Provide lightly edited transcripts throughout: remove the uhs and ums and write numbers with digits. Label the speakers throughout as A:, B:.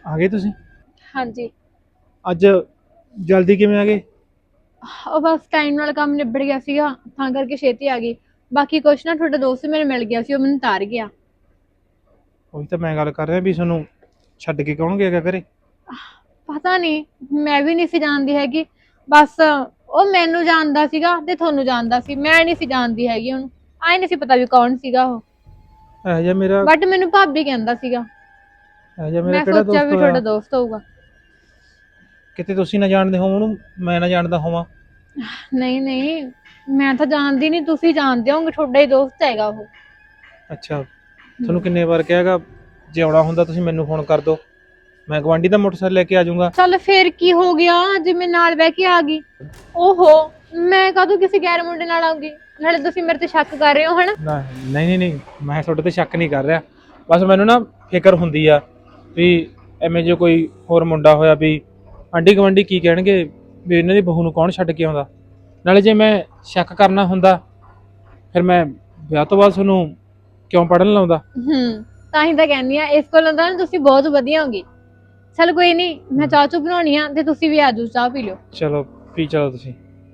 A: ਆ ਗਏ ਤੁਸੀਂ?
B: ਹਾਂਜੀ।
A: ਅੱਜ ਜਲਦੀ ਕਿਵੇਂ ਆ ਗਏ?
B: ਉਹ ਬਸ ਟਾਈਮ ਨਾਲ ਕੰਮ ਨਿਬੜ ਗਿਆ ਸੀਗਾ ਤਾਂ ਕਰਕੇ ਛੇਤੀ ਆ ਗਈ। ਬਾਕੀ ਕੁਛ ਨਾ ਤੁਹਾਡਾ ਦੋਸਤ ਮੇਰੇ ਮਿਲ ਗਿਆ ਸੀ, ਉਹ ਮੈਨੂੰ ਤਾਰ ਗਿਆ।
A: ਉਹੀ ਤਾਂ ਮੈਂ ਗੱਲ ਕਰ ਰਿਹਾ ਵੀ ਤੁਹਾਨੂੰ ਛੱਡ ਕੇ ਕੌਣ ਗਿਆ ਘਰੇ?
B: ਪਤਾ ਨਹੀਂ, ਮੈਂ ਵੀ ਨਹੀਂ ਸੀ ਜਾਣਦੀ ਹੈਗੀ। ਬਸ ਉਹ ਮੈਨੂੰ ਜਾਣਦਾ ਸੀਗਾ ਤੇ ਤੁਹਾਨੂੰ ਜਾਣਦਾ ਸੀ, ਮੈਂ ਨਹੀਂ ਸੀ ਜਾਣਦੀ ਹੈਗੀ ਉਹਨੂੰ। ਆਈ ਨਹੀਂ ਸੀ ਪਤਾ ਵੀ ਕੌਣ ਸੀਗਾ ਉਹ।
A: ਇਹੋ ਜਿਹਾ ਮੇਰਾ
B: ਬਟ ਮੈਨੂੰ ਭਾਬੀ ਕਹਿੰਦਾ ਸੀਗਾ।
A: ਇਹੋ ਜਿਹਾ ਮੇਰਾ
B: ਮੈਂ
A: ਕਿਹੜਾ
B: ਸੋਚਿਆ
A: ਦੋਸਤ
B: ਵੀ ਤੁਹਾਡਾ
A: ਹੋਇਆ?
B: ਦੋਸਤ ਹੋਊਗਾ।
A: ਕਿਤੇ ਤੁਸੀਂ ਨਾ ਜਾਣਦੇ ਹੋ ਉਹਨੂੰ, ਮੈਂ ਨਾ ਜਾਣਦਾ ਹੋਵਾਂ।
B: ਨਹੀਂ ਨਹੀਂ, ਮੈਂ ਤਾਂ ਜਾਣਦੀ ਨਹੀਂ, ਤੁਸੀਂ ਜਾਣਦੇ ਹੋਗੇ, ਤੁਹਾਡਾ ਹੀ ਦੋਸਤ ਹੈਗਾ ਉਹ।
A: ਅੱਛਾ, ਤੁਹਾਨੂੰ ਕਿੰਨੇ ਵਾਰ ਕਿਹਾਗਾ ਜੇ ਆਉਣਾ ਹੁੰਦਾ ਤੁਸੀਂ ਮੈਨੂੰ ਫੋਨ ਕਰ ਦਿਓ, ਮੈਂ ਗਵਾਂਢੀ ਦਾ ਮੋਟਰਸਾਈਕਲ ਲੈ ਕੇ ਆ ਜਾਊਂਗਾ।
B: ਚੱਲ ਫੇਰ ਕੀ ਹੋ ਗਿਆ ਜੇ ਮੈਂ ਨਾਲ ਬਹਿ ਕੇ ਆ ਗਈ। ਓਹੋ, ਮੈਂ ਕਦੋਂ ਕਿਸੇ ਗੈਰ ਮੁੰਡੇ ਨਾਲ ਆਉਂਗੀ? ਨਾਲੇ ਤੁਸੀਂ ਮੇਰੇ ਤੇ ਸ਼ੱਕ ਕਰ ਰਹੇ ਹੋ ਹਨਾ।
A: ਨਹੀਂ ਨਹੀਂ ਨਹੀਂ, ਮੈਂ ਤੁਹਾਡੇ ਤੇ ਸ਼ੱਕ ਨਹੀਂ ਕਰ ਰਿਹਾ। ਬਸ ਮੈਨੂੰ ਨਾ ਫਿਕਰ ਹੁੰਦੀ ਆ ਵੀ ਐਵੇਂ ਜੇ ਕੋਈ ਹੋਰ ਮੁੰਡਾ ਹੋਇਆ ਵੀ ਆਂਢੀ ਗੁਆਂਢੀ ਕੀ ਕਹਿਣਗੇ ਵੀ ਇਹਨਾਂ ਦੀ ਬਹੂ ਨੂੰ ਕੌਣ ਛੱਡ ਕੇ ਆਉਂਦਾ। ਨਾਲੇ ਜੇ ਮੈਂ ਸ਼ੱਕ ਕਰਨਾ ਹੁੰਦਾ ਫਿਰ ਮੈਂ ਵਿਆਹ ਤੋਂ ਬਾਅਦ ਤੁਹਾਨੂੰ ਕਿਉਂ ਪੜ੍ਹਨ ਲਾਉਂਦਾ?
B: ਤਾਂ ਹੀ ਤਾਂ ਕਹਿੰਦੀ ਆ, ਇਸ ਕੋਲੋਂ ਤਾਂ ਤੁਸੀਂ ਬਹੁਤ ਵਧੀਆ ਹੋਗੇ। ਚਲ ਕੋਈ ਨਹੀਂ, ਮੈਂ ਚਾਹ ਚੂ ਬਣਾਉਣੀ ਆ ਤੇ ਤੁਸੀਂ ਵੀ ਆਜੋ, ਚਾਹ ਪੀ ਲਿਓ।
A: ਚਲੋ ਪੀ ਚਲੋ ਤੁਸੀਂ।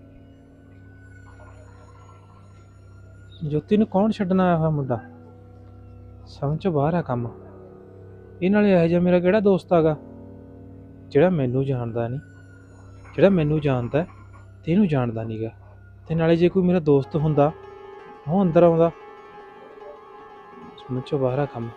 A: ਜੋਤੀ ਨੂੰ ਕੌਣ ਛੱਡਣ ਆਇਆ ਹੋਇਆ ਮੁੰਡਾ? ਸਮਝ ਤੋਂ ਬਾਹਰ ਆ ਕੰਮ। ਇਹ ਨਾਲੇ ਇਹੋ ਜਿਹਾ ਮੇਰਾ ਕਿਹੜਾ ਦੋਸਤ ਹੈਗਾ ਜਿਹੜਾ ਮੈਨੂੰ ਜਾਣਦਾ ਨਹੀਂ, ਜਿਹੜਾ ਮੈਨੂੰ ਜਾਣਦਾ ਤੇ ਇਹਨੂੰ ਜਾਣਦਾ ਨਹੀਂਗਾ। ਤੇ ਨਾਲੇ ਜੇ ਕੋਈ ਮੇਰਾ ਦੋਸਤ ਹੁੰਦਾ ਉਹ ਅੰਦਰ ਆਉਂਦਾ। ਸਮਝ ਤੋਂ ਬਾਹਰ ਆ ਕੰਮ।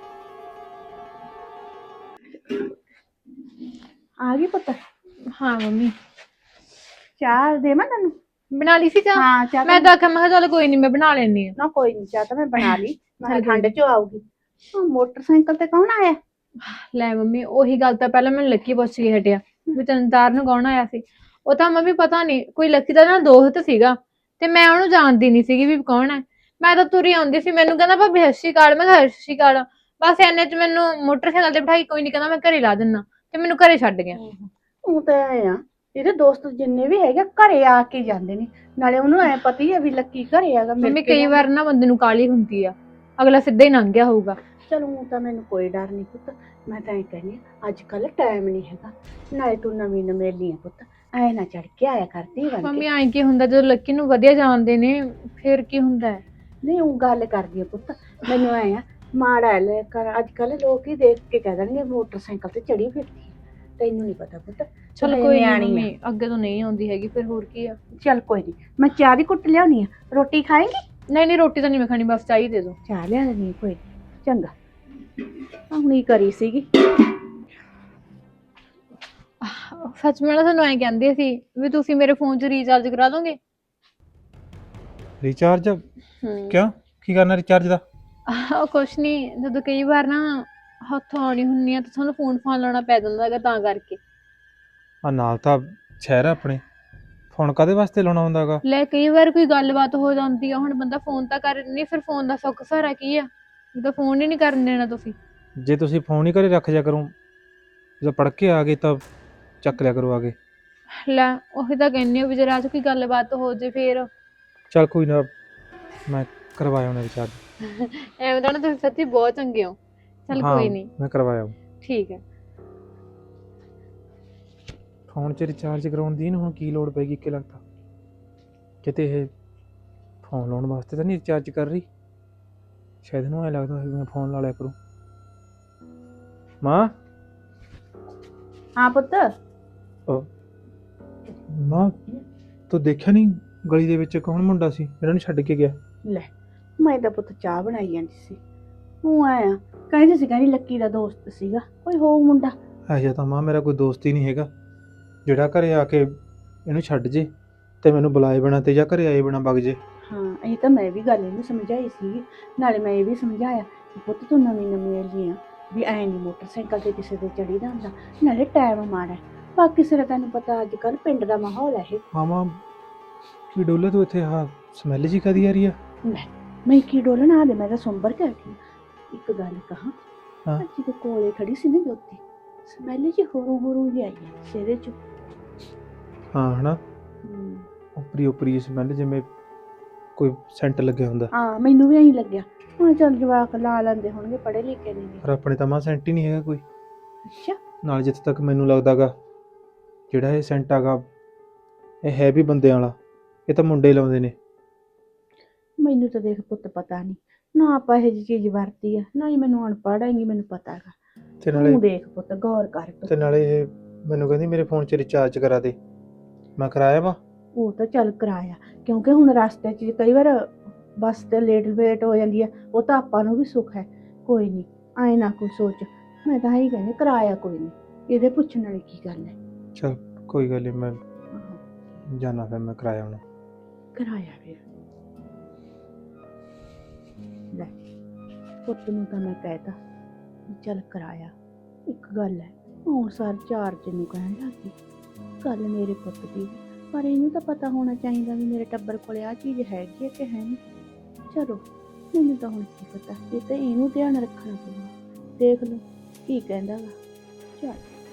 C: ਆ ਗਈ ਪੁੱਤ?
B: ਹਾਂ ਮੰਮੀ,
C: ਚਾਹ ਦੇਵਾਂ ਤੈਨੂੰ?
B: ਬਣਾ ਲਈ ਸੀ ਚਾਹ?
C: ਹਾਂ ਚਾਹ
B: ਮੈਂ ਤਾਂ ਆਖਿਆ, ਮੈਂ ਕਿਹਾ ਚੱਲ ਕੋਈ ਨਹੀਂ, ਮੈਂ ਬਣਾ ਲੈਣੀ ਆ।
C: ਨਾ ਕੋਈ ਨਹੀਂ, ਚਾਹ ਤਾਂ ਮੈਂ ਬਣਾ ਲਈ। ਮੈਂ
B: ਚੱਲ
C: ਠੰਡ ਚ ਆਊਗੀ। ਮੋਟਰਸਾਈਕਲ ਤੇ ਕੌਣ ਆਇਆ?
B: ਲੈ ਮੰਮੀ, ਉਹੀ ਗੱਲ ਤਾਂ ਪਹਿਲਾਂ ਮੈਨੂੰ ਲੱਕੀ ਪੁੱਛ ਕੇ ਹਟਿਆ ਵੀ ਤੈਨੂੰ ਤਾਰ ਨੂੰ ਕੌਣ ਆਇਆ ਸੀ। ਉਹ ਤਾਂ ਮੰਮੀ ਪਤਾ ਨਹੀਂ, ਕੋਈ ਲੱਕੀ ਦਾ ਨਾਲ ਦੋਸਤ ਸੀਗਾ ਤੇ ਮੈਂ ਉਹਨੂੰ ਜਾਣਦੀ ਨਹੀਂ ਸੀਗੀ ਵੀ ਕੌਣ ਹੈ। ਮੈਂ ਤਾਂ ਤੁਰੀ ਆਉਂਦੀ ਸੀ, ਮੈਨੂੰ ਕਹਿੰਦਾ ਭਾਬੀ ਸਤਿ ਸ਼੍ਰੀ ਅਕਾਲ। ਮੈਂ ਕਿਹਾ ਸਤਿ ਸ਼੍ਰੀ ਅਕਾਲ। ਬਸ ਇੰਨੇ ਚ ਮੈਨੂੰ ਮੋਟਰਸਾਈਕਲ ਤੇ ਬਿਠਾਈ, ਕੋਈ ਨਹੀਂ ਕਹਿੰਦਾ ਮੈਂ ਘਰੇ ਲਾ ਦਿੰਦਾ, ਤੇ ਮੈਨੂੰ ਘਰੇ ਛੱਡ ਗਿਆ।
C: ਉਹ ਤਾਂ ਐ ਆ, ਇਹਦੇ ਦੋਸਤ ਜਿੰਨੇ ਵੀ ਹੈਗੇ ਘਰੇ ਆ ਕੇ ਜਾਂਦੇ ਨੇ। ਨਾਲੇ ਉਹਨੂੰ ਐ ਪਤਾ ਹੀ ਆ ਵੀ ਲੱਕੀ ਘਰੇ ਹੈਗਾ।
B: ਮੰਮੀ ਕਈ ਵਾਰ ਨਾ ਬੰਦੇ ਨੂੰ ਕਾਹਲੀ ਹੁੰਦੀ ਆ, ਅਗਲਾ ਸਿੱਧਾ ਹੀ ਲੰਘ ਗਿਆ ਹੋਊਗਾ।
C: ਚਲੋ ਉਹ ਤਾਂ ਮੈਨੂੰ ਕੋਈ ਡਰ ਨਹੀਂ ਪੁੱਤ। ਮੈਂ ਤਾਂ ਐ ਕਹਿੰਦੀ ਅੱਜ ਕੱਲ ਟਾਈਮ ਨਹੀਂ ਹੈਗਾ। ਨਾਲੇ ਤੂੰ ਨਵੀਂ ਨਵੇਲੀ ਆ ਪੁੱਤ, ਐ ਨਾ ਚੜ ਕੇ ਆਇਆ ਕਰਦੀ ਬਣ
B: ਮੰਮੀ
C: ਕੇ।
B: ਐਂ ਕੀ ਹੁੰਦਾ ਜਦੋਂ ਲੱਕੀ ਨੂੰ ਵਧੀਆ ਜਾਣਦੇ ਨੇ, ਫਿਰ ਕੀ ਹੁੰਦਾ ਹੈ?
C: ਨਹੀਂ ਉਹ ਗੱਲ ਕਰਦੀ ਆ ਪੁੱਤ, ਮੈਨੂੰ ਐ ਆ ਮਾੜਾ ਲੈ ਕਰ। ਅੱਜ ਕੱਲ ਲੋਕ ਹੀ ਦੇਖ ਕੇ ਕਹਿ ਦੇਣਗੇ ਮੋਟਰਸਾਈਕਲ ਤੇ ਚੜੀ ਫਿਰਦੀ। ਤੈਨੂੰ ਨਹੀਂ ਪਤਾ ਪੁੱਤ।
B: ਚਲ ਕੋਈ ਨਹੀਂ ਮੰਮੀ, ਅੱਗੇ ਤੋਂ ਨਹੀਂ ਆਉਂਦੀ ਹੈਗੀ, ਫਿਰ ਹੋਰ ਕੀ ਆ।
C: ਚੱਲ ਕੋਈ ਨਹੀਂ, ਮੈਂ ਚਾਹ ਦੀ ਕੁੱਟ ਲਿਆਉਣੀ ਆ। ਰੋਟੀ ਖਾਏਂਗੀ?
B: ਨਹੀਂ ਨਹੀਂ, ਰੋਟੀ ਤਾਂ ਨਹੀਂ ਮੈਂ ਖਾਣੀ, ਬਸ ਚਾਹ ਹੀ ਦੇ ਦਿਓ।
C: ਚਾਹ ਲਿਆ ਦੇਣੀ ਕੋਈ ਨੀ। ਚੰਗਾ, ਹੁਣੀ ਕਰੀ ਸੀਗੀ।
B: ਸੱਚ ਮੈਂ ਨਾ ਤੁਹਾਨੂੰ ਐਂ ਕਹਿੰਦੀ ਸੀ ਵੀ ਤੁਸੀਂ ਮੇਰੇ ਫੋਨ 'ਚ ਰੀਚਾਰਜ ਕਰਾ ਦੋਗੇ?
A: ਰਿਚਾਰਜ? ਕਿਉਂ, ਕੀ ਕਰਨਾ ਰਿਚਾਰਜ ਦਾ?
B: ਉਹ ਕੁਛ ਨਹੀਂ, ਜਦੋਂ ਕਈ ਵਾਰ ਨਾ ਹੱਥੋਂ ਆਉਣੀ ਹੁੰਨੀ ਆ ਤਾਂ ਤੁਹਾਨੂੰ ਫੋਨ ਲਾਉਣਾ ਪੈ ਜਾਂਦਾ ਹੈਗਾ, ਤਾਂ ਕਰਕੇ।
A: ਆ ਨਾਲ ਤਾਂ ਸ਼ਹਿਰ ਆ ਆਪਣੇ, ਫੋਨ ਕਾਹਦੇ ਵਾਸਤੇ ਲਾਉਣਾ ਹੁੰਦਾ ਹੈਗਾ?
B: ਲੈ ਕਈ ਵਾਰ ਕੋਈ ਗੱਲਬਾਤ ਹੋ ਜਾਂਦੀ ਆ, ਹੁਣ ਬੰਦਾ ਫੋਨ ਤਾਂ ਕਰ ਨਹੀਂ, ਫਿਰ ਫੋਨ ਦਾ ਸੁੱਖ ਸਹਾਰਾ ਕੀ ਆ ਜਦੋਂ ਫੋਨ ਹੀ ਨਹੀਂ ਕਰਨ ਦੇਣਾ ਤੁਸੀਂ।
A: ਜੇ ਤੁਸੀਂ ਫੋਨ ਹੀ ਘਰੇ ਰੱਖ ਜਾ ਕਰੋ, ਜਦੋਂ ਪੜ੍ਹ ਕੇ ਆ ਗਏ ਤਾਂ ਚੱਕ ਲਿਆ ਕਰੋ ਆ ਕੇ।
B: ਲੈ ਉਹੀ ਤਾਂ ਕਹਿੰਦੀ ਆ ਵੀ ਜੇ ਰਾਤ ਕੋਈ ਗੱਲਬਾਤ ਹੋ ਜੇ ਫਿਰ।
A: ਚੱਲ ਕੋਈ ਨਾ, ਮੈਂ ਕਰਵਾਇਆ ਉਹਨੇ ਰਿਚਾਰਜ।
B: ਐਵੇਂ ਤਾਂ ਨਾ ਤੁਸੀਂ ਸੱਚੀ ਬਹੁਤ ਚੰਗੇ ਹੋ। ਚੱਲ
A: ਹਾਂ
B: ਕੋਈ ਨਹੀਂ,
A: ਮੈਂ ਕਰਵਾਇਆ।
B: ਠੀਕ ਹੈ।
A: ਫੋਨ 'ਚ ਰਿਚਾਰਜ ਕਰਾਉਣ ਦੀ ਇਹਨੂੰ ਹੁਣ ਕੀ ਲੋੜ ਪੈਗੀ? ਕਿ ਲੱਗਦਾ ਕਿਤੇ ਇਹ ਫੋਨ ਲਾਉਣ ਵਾਸਤੇ ਤਾਂ ਨਹੀਂ ਰਿਚਾਰਜ ਕਰ ਰਹੀ। ਸ਼ਾਇਦ ਇਹਨੂੰ ਐਂ ਲੱਗਦਾ ਵੀ ਮੈਂ ਫੋਨ ਲਾ ਲਿਆ ਕਰੂੰ। ਮਾਂ?
C: ਹਾਂ ਪੁੱਤ।
A: ਮਾਂ ਤੂੰ ਦੇਖਿਆ ਨਹੀਂ ਗਲੀ ਦੇ ਵਿੱਚ ਕੌਣ ਮੁੰਡਾ ਸੀ ਇਹਨਾਂ ਨੂੰ ਛੱਡ ਕੇ ਗਿਆ?
C: ਲੈ ਮੈਂ ਤਾਂ ਪੁੱਤ ਚਾਹ ਬਣਾਈ ਜਾਂਦੀ ਸੀ, ਉਹ ਆਇਆ ਕਹਿੰਦੇ ਸੀ ਕਹਿੰਦੀ ਲੱਕੀ ਦਾ ਦੋਸਤ ਸੀਗਾ ਕੋਈ ਹੋ ਮੁੰਡਾ।
A: ਇਹੋ ਜਿਹਾ ਤਾਂ ਮਾਂ ਮੇਰਾ ਕੋਈ ਦੋਸਤ ਹੀ ਨਹੀਂ ਹੈਗਾ ਜਿਹੜਾ ਘਰੇ ਆ ਕੇ ਇਹਨੂੰ ਛੱਡ ਜੇ ਤੇ ਮੈਨੂੰ ਬੁਲਾਏ ਬਿਨਾਂ ਤੇ ਜਾਂ ਘਰੇ ਆਏ ਬਿਨਾਂ ਵਗ ਜੇ।
C: ਹਾਂ ਇਹ ਤਾਂ ਮੈਂ ਵੀ ਗੱਲ ਇਹਨੂੰ ਸਮਝਾਈ ਸੀ। ਨਾਲੇ ਮੈਂ ਇਹ ਵੀ ਸਮਝਾਇਆ ਕਿ ਪੁੱਤ ਤੂੰ ਨਵੀਂ ਨਵੀਂ ਆਈ ਆ, ਵੀ ਐ ਨਹੀਂ ਮੋਟਰਸਾਈਕਲ ਤੇ ਕਿਸੇ ਦੇ ਚੜੀਦਾ ਹੁੰਦਾ। ਨਾਲੇ ਟਾਈਮ ਮਾੜਾ, ਬਾਕੀ ਸਿਰ ਤੈਨੂੰ ਪਤਾ ਅੱਜ ਕੱਲ ਪਿੰਡ ਦਾ ਮਾਹੌਲ ਹੈ ਇਹ।
A: ਮਾਮਾ ਕੀ ਡੋਲੇ ਤੂੰ ਇੱਥੇ? ਆਹ ਸਮੈਲ ਜੀ ਕਦੀ ਆ ਰਹੀ ਆ?
C: ਲੈ ਮੈਂ ਕੀ ਡੋਲਣਾ ਦੇ, ਮੈਂ ਤਾਂ ਸੁੰਬਰ ਕੇ ਆਖੀ। ਇੱਕ ਗੱਲ ਕਹਾਂ,
A: ਹਾਂ।
C: ਜਿਹਦੇ ਕੋਲੇ ਖੜੀ ਸੀ ਨਾ ਜੋਤੀ, ਸਮੈਲ ਜੀ ਹੋਰੂ ਹੋਰੂ ਜਿਹੀ ਆਈ ਹੈ ਸਿਰੇ ਚ।
A: ਹਾਂ ਹਨਾ, ਉਪਰੀ ਉਪਰੀ ਸਮੈਲ ਜਿਵੇਂ ਕੋਈ ਸੈਂਟ ਲੱਗਿਆ ਹੁੰਦਾ।
C: ਹਾਂ ਮੈਨੂੰ ਵੀ ਐਂ ਲੱਗਿਆ। ਹਾਂ ਚੱਲ ਜਵਾਕ ਲਾ ਲੈਂਦੇ ਹੋਣਗੇ, ਪੜ੍ਹੇ ਲਿਖੇ ਨੇ।
A: ਪਰ ਆਪਣੇ ਤਾਂ ਮਾਂ ਸੈਂਟ ਹੀ ਨਹੀਂ ਹੈਗਾ ਕੋਈ।
C: ਅੱਛਾ
A: ਨਾਲ ਜਿੱਥੇ ਤੱਕ ਮੈਨੂੰ ਲੱਗਦਾਗਾ ਜਿਹੜਾ ਇਹ ਸੈਂਟ ਹੈਗਾ ਇਹ ਹੈ ਵੀ ਬੰਦਿਆਂ ਵਾਲਾ, ਇਹ ਤਾਂ ਮੁੰਡੇ ਲਾਉਂਦੇ ਨੇ।
C: ਮੈਨੂੰ ਤਾਂ ਦੇਖ ਪੁੱਤ ਪਤਾ ਨਹੀਂ ਨਾ ਆਪਾਂ ਇਹ ਜਿਹੀ ਚੀਜ਼ ਵਰਤੀ ਆ ਨਾ ਹੀ ਮੈਨੂੰ ਅਨਪੜ੍ਹ ਹੈਗੀ ਮੈਨੂੰ ਪਤਾ ਹੈਗਾ।
A: ਤੇ ਨਾਲੇ
C: ਤੂੰ ਦੇਖ ਪੁੱਤ ਗੌਰ ਕਰ ਤੂੰ।
A: ਤੇ ਨਾਲੇ ਇਹ ਮੈਨੂੰ ਕਹਿੰਦੀ ਮੇਰੇ ਫੋਨ 'ਚ ਰਿਚਾਰਜ ਕਰਾ ਦੇ। ਮੈਂ ਕਰਾਇਆ ਵਾ।
C: ਉਹ ਤਾਂ ਚੱਲ ਕਰਾਇਆ ਕਿਉਂਕਿ ਹੁਣ ਰਸਤੇ 'ਚ ਕਈ ਵਾਰ ਬੱਸ ਤੇ ਲੇਟ ਹੋ ਜਾਂਦੀ ਆ, ਉਹ ਤਾਂ ਆਪਾਂ ਨੂੰ ਵੀ ਸੁੱਖ ਹੈ। ਕੋਈ ਨਹੀਂ ਐਂ ਨਾ ਕੋਈ ਸੋਚ, ਮੈਂ ਤਾਂ ਹੀ ਕਹਿੰਦੀ ਕਰਾਇਆ ਕੋਈ ਨਹੀਂ, ਇਹਦੇ ਪੁੱਛਣ ਵਾਲੀ ਕੀ ਗੱਲ ਹੈ।
A: ਚਲ ਕੋਈ ਗੱਲ ਨਹੀਂ, ਮੈਂ
C: ਆਹੋ,
A: ਜਾਣਾ ਫਿਰ, ਮੈਂ ਕਰਾਇਆ ਹੁਣ।
C: ਕਰਾਇਆ ਫਿਰ ਲੈ ਪੁੱਤ ਨੂੰ ਤਾਂ ਮੈਂ ਕਹਿਤਾ ਵੀ ਚੱਲ ਕਰਾਇਆ। ਇੱਕ ਗੱਲ ਹੈ ਹੁਣ ਸਰ ਚਾਰਜ ਨੂੰ ਕਹਿਣ ਲੱਗੀ ਗੱਲ ਮੇਰੇ ਪੁੱਤ ਦੀ, ਪਰ ਇਹਨੂੰ ਤਾਂ ਪਤਾ ਹੋਣਾ ਚਾਹੀਦਾ ਵੀ ਮੇਰੇ ਟੱਬਰ ਕੋਲ ਆ ਚੀਜ਼ ਹੈਗੀ ਹੈ ਕਿ ਹੈ ਨਹੀਂ। ਚਲੋ ਮੈਨੂੰ ਤਾਂ ਹੁਣ ਕੀ ਪਤਾ, ਇਹ ਤਾਂ ਇਹਨੂੰ ਧਿਆਨ ਰੱਖਣਾ ਪਊਗਾ। ਦੇਖ ਲਓ ਕੀ ਕਹਿੰਦਾ ਵਾ। ਚੱਲ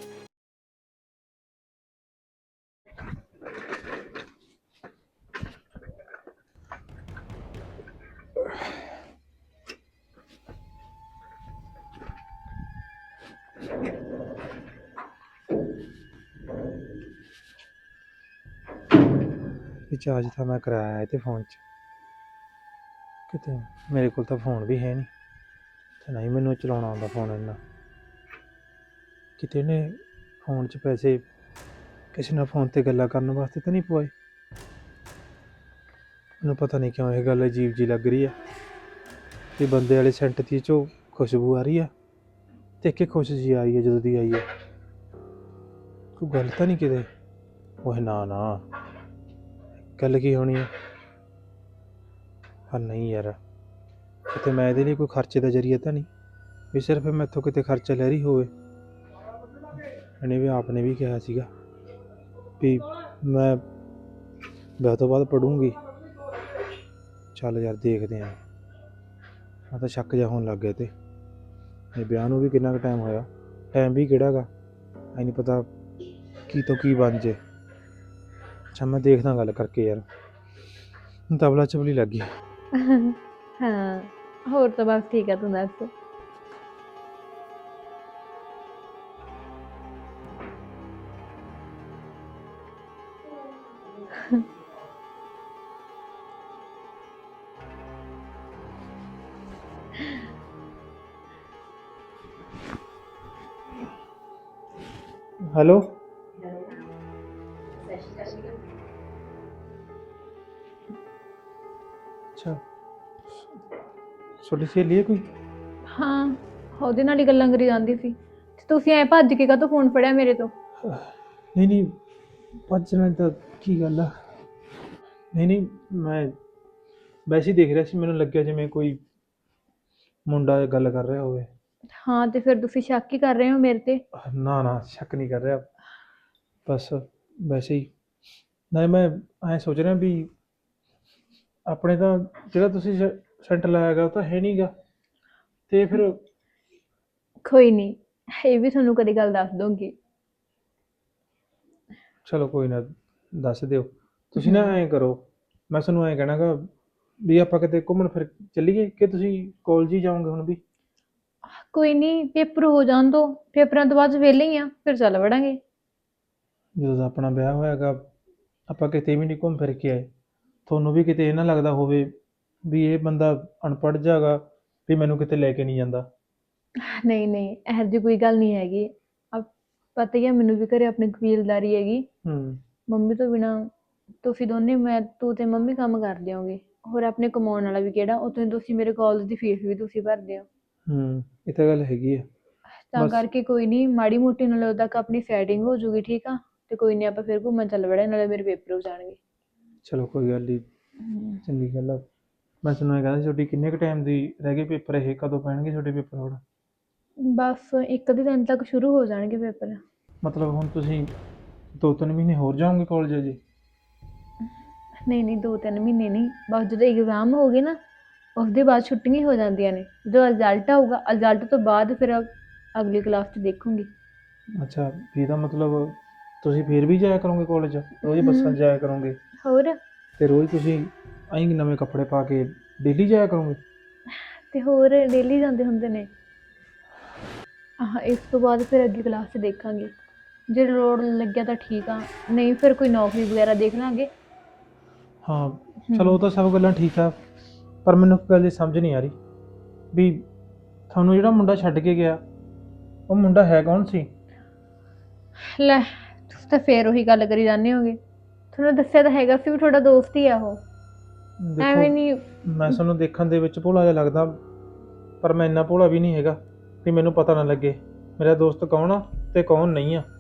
A: ਰਿਚਾਰਜ ਤਾਂ ਮੈਂ ਕਰਾਇਆ ਇਹਦੇ ਫੋਨ 'ਚ, ਕਿਤੇ ਮੇਰੇ ਕੋਲ ਤਾਂ ਫੋਨ ਵੀ ਹੈ ਨਹੀਂ ਤੇ ਨਹੀਂ ਮੈਨੂੰ ਚਲਾਉਣਾ ਆਉਂਦਾ ਫੋਨ ਇੰਨਾ। ਕਿਤੇ ਨੇ ਫੋਨ 'ਚ ਪੈਸੇ ਕਿਸੇ ਨਾਲ ਫੋਨ ਤੇ ਗੱਲਾਂ ਕਰਨ ਵਾਸਤੇ ਤਾਂ ਨਹੀਂ ਪਵਾਏ। ਮੈਨੂੰ ਪਤਾ ਨਹੀਂ ਕਿਉਂ ਇਹ ਗੱਲ ਅਜੀਬ ਜੀ ਲੱਗ ਰਹੀ ਆ ਕਿ ਬੰਦੇ ਵਾਲੇ ਸੈਂਟ ਦੀ 'ਚੋਂ ਖੁਸ਼ਬੂ ਆ ਰਹੀ ਆ ਤੇ ਕਿ ਖੁਸ਼ ਜੀ ਆਈ ਹੈ ਜਦੋਂ ਦੀ ਆਈ ਹੈ। ਕੋਈ ਗੱਲ ਤਾਂ ਨਹੀਂ ਕਿਤੇ? ਉਹ ਨਾ ਨਾ, ਗੱਲ ਕੀ ਹੋਣੀ ਹੈ? ਪਰ ਨਹੀਂ ਯਾਰ, ਕਿਤੇ ਮੈਂ ਇਹਦੇ ਲਈ ਕੋਈ ਖਰਚੇ ਦਾ ਜ਼ਰੀਆ ਤਾਂ ਨਹੀਂ ਵੀ ਸਿਰਫ ਮੈਥੋਂ ਕਿਤੇ ਖਰਚਾ ਲੈ ਰਹੀ ਹੋਵੇ। ਇਹਨੇ ਵੀ ਆਪ ਨੇ ਵੀ ਕਿਹਾ ਸੀਗਾ ਵੀ ਮੈਂ ਵਿਆਹ ਤੋਂ ਬਾਅਦ ਪੜੂੰਗੀ। ਚੱਲ ਯਾਰ ਦੇਖਦੇ ਹਾਂ, ਮੈਂ ਤਾਂ ਸ਼ੱਕ ਜਿਹਾ ਹੋਣ ਲੱਗ ਗਿਆ ਤੇ ਇਹ ਵਿਆਹ ਨੂੰ ਵੀ ਕਿੰਨਾ ਕੁ ਟਾਈਮ ਹੋਇਆ, ਟਾਈਮ ਵੀ ਕਿਹੜਾ ਗਾ, ਐ ਨਹੀਂ ਪਤਾ ਕੀ ਤੋਂ ਕੀ ਬਣ ਜੇ। ਅੱਛਾ ਮੈਂ ਦੇਖਦਾ ਗੱਲ ਕਰਕੇ ਯਾਰ, ਤਬਲਾ ਚਬਲੀ ਲੱਗ ਗਈ।
B: ਹਾਂ ਹੋਰ ਤਾਂ ਬਸ ਠੀਕ ਆ, ਤੂੰ ਦੱਸ।
A: ਹੈਲੋ, ਅੱਛਾ ਤੁਹਾਡੀ ਸਹੇਲੀ ਹੈ ਕੋਈ?
B: ਹਾਂ ਉਹਦੇ ਨਾਲ ਹੀ ਗੱਲਾਂ ਕਰੀ ਜਾਂਦੀ ਸੀ ਤੇ ਤੁਸੀਂ ਐ ਭੱਜ ਕੇ ਕਾਹਤੋਂ ਫੋਨ ਫੜਿਆ ਮੇਰੇ ਤੋਂ?
A: ਨਹੀਂ ਨਹੀਂ, ਭੱਜਣਾ ਤਾਂ ਕੀ ਗੱਲ ਆ। ਨਹੀਂ ਨਹੀਂ, ਮੈਂ ਵੈਸੇ ਹੀ ਦੇਖ ਰਿਹਾ ਸੀ, ਮੈਨੂੰ ਲੱਗਿਆ ਜਿਵੇਂ ਕੋਈ ਮੁੰਡਾ ਗੱਲ ਕਰ ਰਿਹਾ ਹੋਵੇ।
B: ਹਾਂ ਤੇ ਫਿਰ ਤੁਸੀਂ ਸ਼ੱਕ ਹੀ ਕਰ ਰਹੇ ਹੋ ਮੇਰੇ ਤੇ?
A: ਨਾ ਨਾ, ਸ਼ੱਕ ਨਹੀਂ ਕਰ ਰਿਹਾ, ਬਸ ਵੈਸੇ ਹੀ। ਨਹੀਂ ਮੈਂ ਐਂ ਸੋਚ ਰਿਹਾ ਵੀ ਆਪਣੇ ਤਾਂ ਜਿਹੜਾ ਤੁਸੀਂ ਸੈਂਟਰ ਲਾਇਆ ਗਾ ਉਹ ਤਾਂ ਹੈ ਨਹੀਂ ਗਾ, ਤੇ ਫਿਰ
B: ਕੋਈ ਨਹੀਂ, ਇਹ ਵੀ ਤੁਹਾਨੂੰ ਕਦੇ ਗੱਲ ਦੱਸ ਦੂੰਗੀ।
A: ਚਲੋ ਕੋਈ ਨਾ, ਦੱਸ ਦਿਓ। ਤੁਸੀਂ ਨਾ ਐਂ ਕਰੋ, ਮੈਂ ਤੁਹਾਨੂੰ ਐਂ ਕਹਿਣਾ ਗਾ ਵੀ ਆਪਾਂ ਕਿਤੇ ਘੁੰਮਣ ਫਿਰ ਚੱਲੀਏ ਕਿ ਤੁਸੀਂ ਕਾਲਜ ਹੀ ਜਾਓਗੇ ਹੁਣ ਵੀ?
B: ਕੋਈ ਨਹੀਂ, ਪੇਪਰ ਹੋ ਜਾਣ ਦੋ, ਪੇਪਰਾਂ ਤੋਂ ਬਾਅਦ ਵਿਹਲੇ ਹੀ ਆ, ਫਿਰ ਚੱਲ ਵੜਾਂਗੇ।
A: ਜਦੋਂ ਦਾ ਆਪਣਾ ਵਿਆਹ ਹੋਇਆ ਗਾ ਆਪਾਂ ਕਿਤੇ ਵੀ ਨਹੀਂ ਘੁੰਮ ਫਿਰ ਕੇ ਆਏ। ਤੁਹਾਨੂੰ ਵੀ ਕਿਤੇ ਇਹ ਨਾ ਲੱਗਦਾ ਹੋਵੇ ਵੀ ਇਹ ਬੰਦਾ ਅਨਪੜ੍ਹ ਜਾਗਾ ਵੀ ਮੈਨੂੰ ਕਿਤੇ ਲੈ ਕੇ ਨਹੀਂ ਜਾਂਦਾ?
B: ਨਹੀਂ ਨਹੀਂ, ਇਹੋ ਜਿਹੀ ਕੋਈ ਗੱਲ ਨਹੀਂ ਹੈਗੀ। ਪਤਾ ਹੀ ਆ ਮੈਨੂੰ ਵੀ ਘਰੇ ਆਪਣੀ ਕਬੀਲਦਾਰੀ ਹੈਗੀ। ਮੰਮੀ ਤੋਂ ਬਿਨਾਂ ਤੁਸੀਂ ਦੋਨੇ, ਤੂੰ ਤੇ ਮੰਮੀ ਕੰਮ ਕਰਦੇ ਹੋਗੇ, ਹੋਰ ਆਪਣੇ ਕਮਾਉਣ ਵਾਲਾ ਵੀ ਕਿਹੜਾ, ਉੱਥੇ ਤੁਸੀਂ ਮੇਰੇ ਕਾਲਜ ਦੀ ਫੀਸ ਵੀ ਤੁਸੀਂ ਭਰਦੇ ਹੋ।
A: ਇਹ ਤਾਂ ਗੱਲ ਹੈਗੀ ਆ।
B: ਤਾਂ
A: ਬਸ
B: ਕਰਕੇ ਕੋਈ ਨਹੀਂ, ਮਾੜੀ ਮੋਟੀ ਨਾਲੇ ਉਦੋਂ ਤੱਕ ਆਪਣੀ ਸੈਟਿੰਗ ਹੋ ਜੂਗੀ, ਠੀਕ ਆ? ਤੇ ਕੋਈ ਨਹੀਂ ਆਪਾਂ ਫਿਰ ਘੁੰਮਣ ਚੱਲ ਵੜਾਂਗੇ, ਨਾਲੇ ਮੇਰੇ ਪੇਪਰ ਹੋ ਜਾਣਗੇ।
A: ਚਲੋ ਕੋਈ ਗੱਲ ਨਹੀਂ, ਚੰਗੀ ਗੱਲ ਆ। ਮੈਂ ਤੁਹਾਨੂੰ ਇਹ ਕਹਿੰਦਾ ਸੀ, ਤੁਹਾਡੀ ਕਿੰਨੇ ਕੁ ਟਾਈਮ ਦੀ ਰਹਿ ਗਏ ਪੇਪਰ? ਇਹ ਕਦੋਂ ਪੈਣਗੇ ਤੁਹਾਡੇ ਪੇਪਰ ਹੁਣ?
B: ਬਸ ਇੱਕ ਅੱਧੇ ਦਿਨ ਤੱਕ ਸ਼ੁਰੂ ਹੋ ਜਾਣਗੇ ਪੇਪਰ।
A: ਮਤਲਬ ਹੁਣ ਤੁਸੀਂ 2-3 ਮਹੀਨੇ ਹੋਰ ਜਾਓਗੇ ਕਾਲਜ ਜੀ?
B: ਨਹੀਂ ਨਹੀਂ, 2-3 ਮਹੀਨੇ ਨਹੀਂ, ਬਸ ਜਦੋਂ ਐਗਜ਼ਾਮ ਹੋ ਗਏ ਨਾ ਉਸਦੇ ਬਾਅਦ ਛੁੱਟੀਆਂ ਹੋ ਜਾਂਦੀਆਂ ਨੇ। ਜਦੋਂ ਰਿਜ਼ਲਟ ਆਊਗਾ, ਰਿਜ਼ਲਟ ਤੋਂ ਬਾਅਦ ਫਿਰ ਅਗਲੀ ਕਲਾਸ 'ਚ ਦੇਖੂੰਗੀ।
A: ਅੱਛਾ, ਵੀ ਇਹਦਾ ਮਤਲਬ ਤੁਸੀਂ ਫਿਰ ਵੀ ਜਾਇਆ ਕਰੋਗੇ ਕਾਲਜ? ਰੋਜ਼ ਬੱਸਾਂ 'ਚ ਜਾਇਆ ਕਰੋਗੇ
B: ਹੋਰ
A: ਤੇ ਰੋਜ਼ ਤੁਸੀਂ ਐਂ ਨਵੇਂ ਕੱਪੜੇ ਪਾ ਕੇ ਡੇਲੀ ਜਾਇਆ ਕਰੋਗੇ?
B: ਤੇ ਹੋਰ ਡੇਲੀ ਜਾਂਦੇ ਹੁੰਦੇ ਨੇ। ਇਸ ਤੋਂ ਬਾਅਦ ਫਿਰ ਅੱਗੇ ਕਲਾਸ 'ਚ ਦੇਖਾਂਗੇ, ਜੇ ਲੋੜ ਲੱਗਿਆ ਤਾਂ ਠੀਕ ਆ, ਨਹੀਂ ਫਿਰ ਕੋਈ ਨੌਕਰੀ ਵਗੈਰਾ ਦੇਖ ਲਾਂਗੇ।
A: ਹਾਂ ਚਲੋ ਉਹ ਤਾਂ ਸਭ ਗੱਲਾਂ ਠੀਕ ਆ, ਪਰ ਮੈਨੂੰ ਇੱਕ ਗੱਲ ਦੀ ਸਮਝ ਨਹੀਂ ਆ ਰਹੀ ਵੀ ਤੁਹਾਨੂੰ ਜਿਹੜਾ ਮੁੰਡਾ ਛੱਡ ਕੇ ਗਿਆ ਉਹ ਮੁੰਡਾ ਹੈ ਕੌਣ ਸੀ?
B: ਲੈ ਤੁਸੀਂ ਤਾਂ ਫੇਰ ਉਹੀ ਗੱਲ ਕਰੀ ਜਾਂਦੇ ਹੋਗੇ, ਤੁਹਾਨੂੰ ਦੱਸਿਆ ਤਾਂ ਹੈਗਾ ਸੀ ਵੀ ਤੁਹਾਡਾ ਦੋਸਤ ਹੀ ਆ ਉਹ। ਐਵੇਂ
A: ਦੇਖੋ
B: ਨਹੀਂ,
A: ਮੈਂ ਤੁਹਾਨੂੰ ਦੇਖਣ ਦੇ ਵਿੱਚ ਭੋਲਾ ਜਿਹਾ ਲੱਗਦਾ, ਪਰ ਮੈਂ ਇੰਨਾ ਭੋਲਾ ਵੀ ਨਹੀਂ ਹੈਗਾ ਵੀ ਮੈਨੂੰ ਪਤਾ ਨਾ ਲੱਗੇ ਮੇਰਾ ਦੋਸਤ ਕੌਣ ਆ ਤੇ ਕੌਣ ਨਹੀਂ ਆ।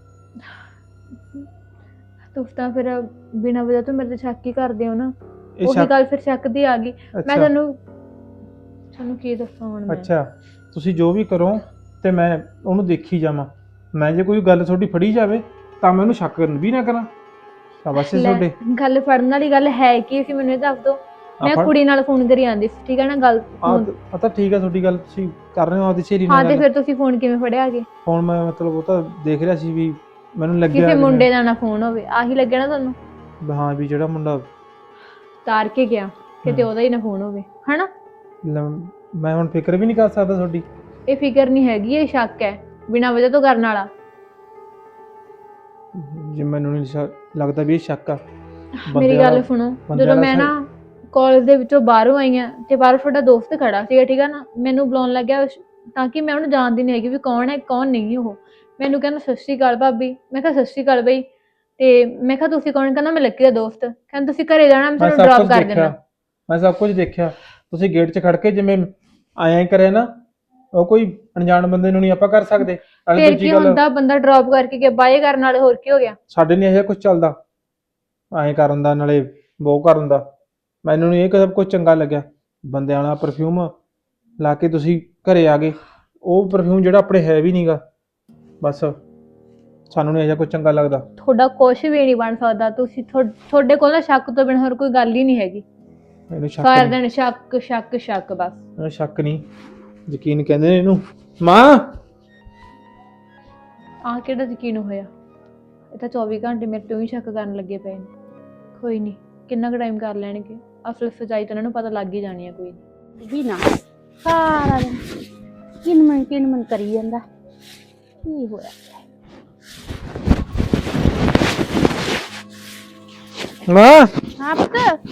B: ਤੁਸੀਂ ਤਾਂ ਫਿਰ ਬਿਨਾਂ ਵਜ੍ਹਾ ਤੋਂ ਮੇਰੇ ਤੇ ਸ਼ੱਕ ਹੀ ਕਰਦੇ ਹੋ ਨਾ।
A: ਇਹ
B: ਉਹੀ
A: ਸ਼ੱਕ-
B: ਗੱਲ ਫਿਰ ਸ਼ੱਕ ਦੀ ਆ ਗਈ। ਮੈਂ
A: ਅੱਛਾ
B: ਤੁਹਾਨੂੰ ਕੀ ਦੱਸਾਂ ਹੁਣ ਮੈਂ।
A: ਅੱਛਾ ਤੁਸੀਂ ਜੋ ਵੀ ਕਰੋ ਤੇ ਮੈਂ ਉਹਨੂੰ ਦੇਖੀ ਜਾਵਾਂ, ਮੈਂ ਜੇ ਕੋਈ ਗੱਲ ਤੁਹਾਡੀ ਫੜੀ ਜਾਵੇ ਤਾਂ ਮੈਂ ਉਹਨੂੰ ਸ਼ੱਕ ਵੀ ਨਾ ਕਰਾਂ। ਸ਼ਾਬਾਸ਼ ਏ
B: ਲੈ,
A: ਤੁਹਾਡੇ।
B: ਗੱਲ ਫੜਨ ਵਾਲੀ ਗੱਲ ਹੈ ਕੀ ਸੀ ਮੈਨੂੰ ਇਹ ਦੱਸ ਦਿਓ। ਮੈਂ
A: ਆਪਾਂ-
B: ਕੁੜੀ ਨਾਲ ਫੋਨ ਕਰੀ ਆਂਦੀ ਸੀ, ਠੀਕ ਹੈ ਨਾ ਗੱਲ।
A: ਆ ਤਾਂ ਠੀਕ ਆ ਤੁਹਾਡੀ ਗੱਲ, ਤੁਸੀਂ ਕਰ ਰਹੇ ਹੋ ਆਪਦੀ ਸਹੇਲੀ
B: ਹਾਂ
A: ਨਾਲ
B: ਤੇ
A: ਗੱਲ।
B: ਫਿਰ ਤੁਸੀਂ ਫੋਨ ਕਿਵੇਂ ਫੜਿਆ ਅੱਗੇ?
A: ਹੁਣ ਮੈਂ ਮਤਲਬ ਉਹ ਤਾਂ ਦੇਖ ਰਿਹਾ ਸੀ ਵੀ ਮੈਨੂੰ ਲੱਗਿਆ
B: ਕਿਸੇ
A: ਵੀ
B: ਮੁੰਡੇ ਦਾ ਨਾ ਫੋਨ ਹੋਵੇ, ਆਹੀ ਲੱਗਿਆ ਨਾ ਤੁਹਾਨੂੰ।
A: ਹਾਂ ਵੀ ਜਿਹੜਾ ਮੁੰਡਾ
B: ਤਾਰ ਕੇ ਗਿਆ ਕਿਤੇ ਉਹਦਾ ਹੀ ਨਾ ਫੋਨ ਹੋਵੇ, ਹਨਾ?
A: ਮੈਂ ਹੁਣ ਫਿਕਰ ਵੀ ਨਹੀਂ ਕਰ ਸਕਦਾ ਤੁਹਾਡੀ।
B: ਇਹ ਫਿਕਰ ਨਹੀਂ ਹੈਗੀ, ਇਹ ਸ਼ੱਕ ਹੈ ਬਿਨਾਂ ਵਜ੍ਹਾ ਤੋਂ ਕਰਨ ਵਾਲਾ।
A: ਜੇ ਮੈਨੂੰ ਨਹੀਂ ਲੱਗਦਾ ਵੀ ਇਹ ਸ਼ੱਕ ਆ।
B: ਮੇਰੀ ਗੱਲ ਸੁਣੋ, ਜਦੋਂ ਮੈਂ ਨਾ ਕਾਲਜ ਦੇ ਵਿੱਚੋਂ ਬਾਹਰੋਂ ਆਈ ਆ ਤੇ ਬਾਹਰ ਤੁਹਾਡਾ ਦੋਸਤ ਖੜਾ ਸੀਗਾ, ਠੀਕ ਆ ਨਾ, ਮੈਨੂੰ ਬੁਲਾਉਣ ਲੱਗਿਆ ਤਾਂ ਕਿ ਮੈਂ ਉਹਨੂੰ ਜਾਣਦੀ ਨਹੀਂ ਹੈਗੀ ਵੀ ਕੌਣ ਹੈ ਕੌਣ ਨਹੀਂ। ਉਹ ਮੈਨੂੰ ਕਹਿੰਦਾ ਸਤਿ ਸ਼੍ਰੀ ਅਕਾਲ ਭਾਬੀ। ਮੈਂ ਕਿਹਾ ਸਤਿ ਸ਼੍ਰੀ ਅਕਾਲ ਬਈ। ਤੇ ਮੈਂ ਕਿਹਾ ਤੁਸੀਂ ਕੌਣ? ਕਹਿੰਦਾ ਮੈਂ ਲੱਕੀ ਦਾ ਦੋਸਤ। ਕਹਿੰਦਾ ਤੁਸੀਂ ਘਰੇ ਜਾਣਾ, ਮੈਂ ਤੁਹਾਨੂੰ ਡ੍ਰੌਪ ਕਰ ਦੇਣਾ।
A: ਮੈਂ ਸਭ ਕੁਝ ਦੇਖਿਆ, ਤੁਸੀਂ ਗੇਟ 'ਚ ਖੜ ਕੇ ਜਿਵੇਂ ਆਇਆ ਕਰਿਆ ਨਾ, ਉਹ ਕੋਈ ਅਣਜਾਣ ਬੰਦੇ ਨੂੰ ਨਹੀਂ ਆਪਾਂ ਕਰ ਸਕਦੇ। ਨਾਲੇ
B: ਫਿਰ
A: ਦੂਜੀ
B: ਕੀ
A: ਗੱਲ,
B: ਹੁੰਦਾ, ਬੰਦਾ ਡ੍ਰੌਪ ਕਰਕੇ ਗਿਆ ਬਾਏ ਕਰਨ ਵਾਲੇ, ਹੋਰ ਕੀ ਹੋ ਗਿਆ?
A: ਸਾਡੇ ਨਹੀਂ ਇਹ ਕੁਝ ਚੱਲਦਾ ਐਂ ਕਰਨ ਦਾ, ਨਾਲੇ ਬਹੁ ਕਰਨ ਦਾ। ਮੈਨੂੰ ਨਹੀਂ ਇਹ ਸਭ ਕੁਝ ਚੰਗਾ ਲੱਗਿਆ। ਬੰਦਿਆਂ ਵਾਲਾ ਪਰਫਿਊਮ ਲਾ ਕੇ ਤੁਸੀਂ ਘਰੇ ਆ ਗਏ, ਉਹ ਪਰਫਿਊਮ ਜਿਹੜਾ ਆਪਣੇ ਹੈ ਵੀ ਨਹੀਂਗਾ। ਬਸ ਸਾਨੂੰ ਨਹੀਂ ਇਹ ਕੁਝ ਚੰਗਾ ਲੱਗਦਾ।
B: ਤੁਹਾਡਾ ਕੁਛ ਵੀ ਨਹੀਂ ਬਣ ਸਕਦਾ। ਤੁਸੀਂ ਤੁਹਾਡੇ ਕੋਲ ਨਾ ਸ਼ੱਕ ਤੋਂ ਬਿਨਾਂ ਹੋਰ ਕੋਈ ਗੱਲ ਹੀ ਨਹੀਂ ਹੈਗੀ।
A: ਮੈਨੂੰ ਸ਼ੱਕ
B: ਸਾਰਾ
A: ਨਹੀਂ,
B: ਦਿਨ ਸ਼ੱਕ ਸ਼ੱਕ ਸ਼ੱਕ ਬਸ।
A: ਮੈਨੂੰ ਸ਼ੱਕ ਨਹੀਂ, ਯਕੀਨ ਕਹਿੰਦੇ ਨੇ ਇਹਨੂੰ। ਮਾਂ
B: ਆਹ ਕਿਹੜਾ ਯਕੀਨ ਹੋਇਆ? ਇਹ ਤਾਂ 24 ਘੰਟੇ ਮੇਰੇ ਤੋਂ ਹੀ ਸ਼ੱਕ ਕਰਨ ਲੱਗੇ ਪਏ ਨੇ। ਕੋਈ ਨਹੀਂ, ਕਿੰਨਾ ਕੁ ਟਾਈਮ ਕਰ ਲੈਣਗੇ, ਅਸਲ ਸੱਚਾਈ ਤਾਂ ਇਹਨਾਂ ਨੂੰ ਪਤਾ ਲੱਗ ਹੀ ਜਾਣੀ ਆ। ਕੋਈ
C: ਵੀ ਨਾ ਸਾਰਾ ਦਿਨ ਕਿਨ ਮਨ ਕਰੀ ਜਾਂਦਾ। ਕੀ ਹੋਇਆ?
A: ਮਾਂ
C: ਹਾਂ ਪੁੱਤ,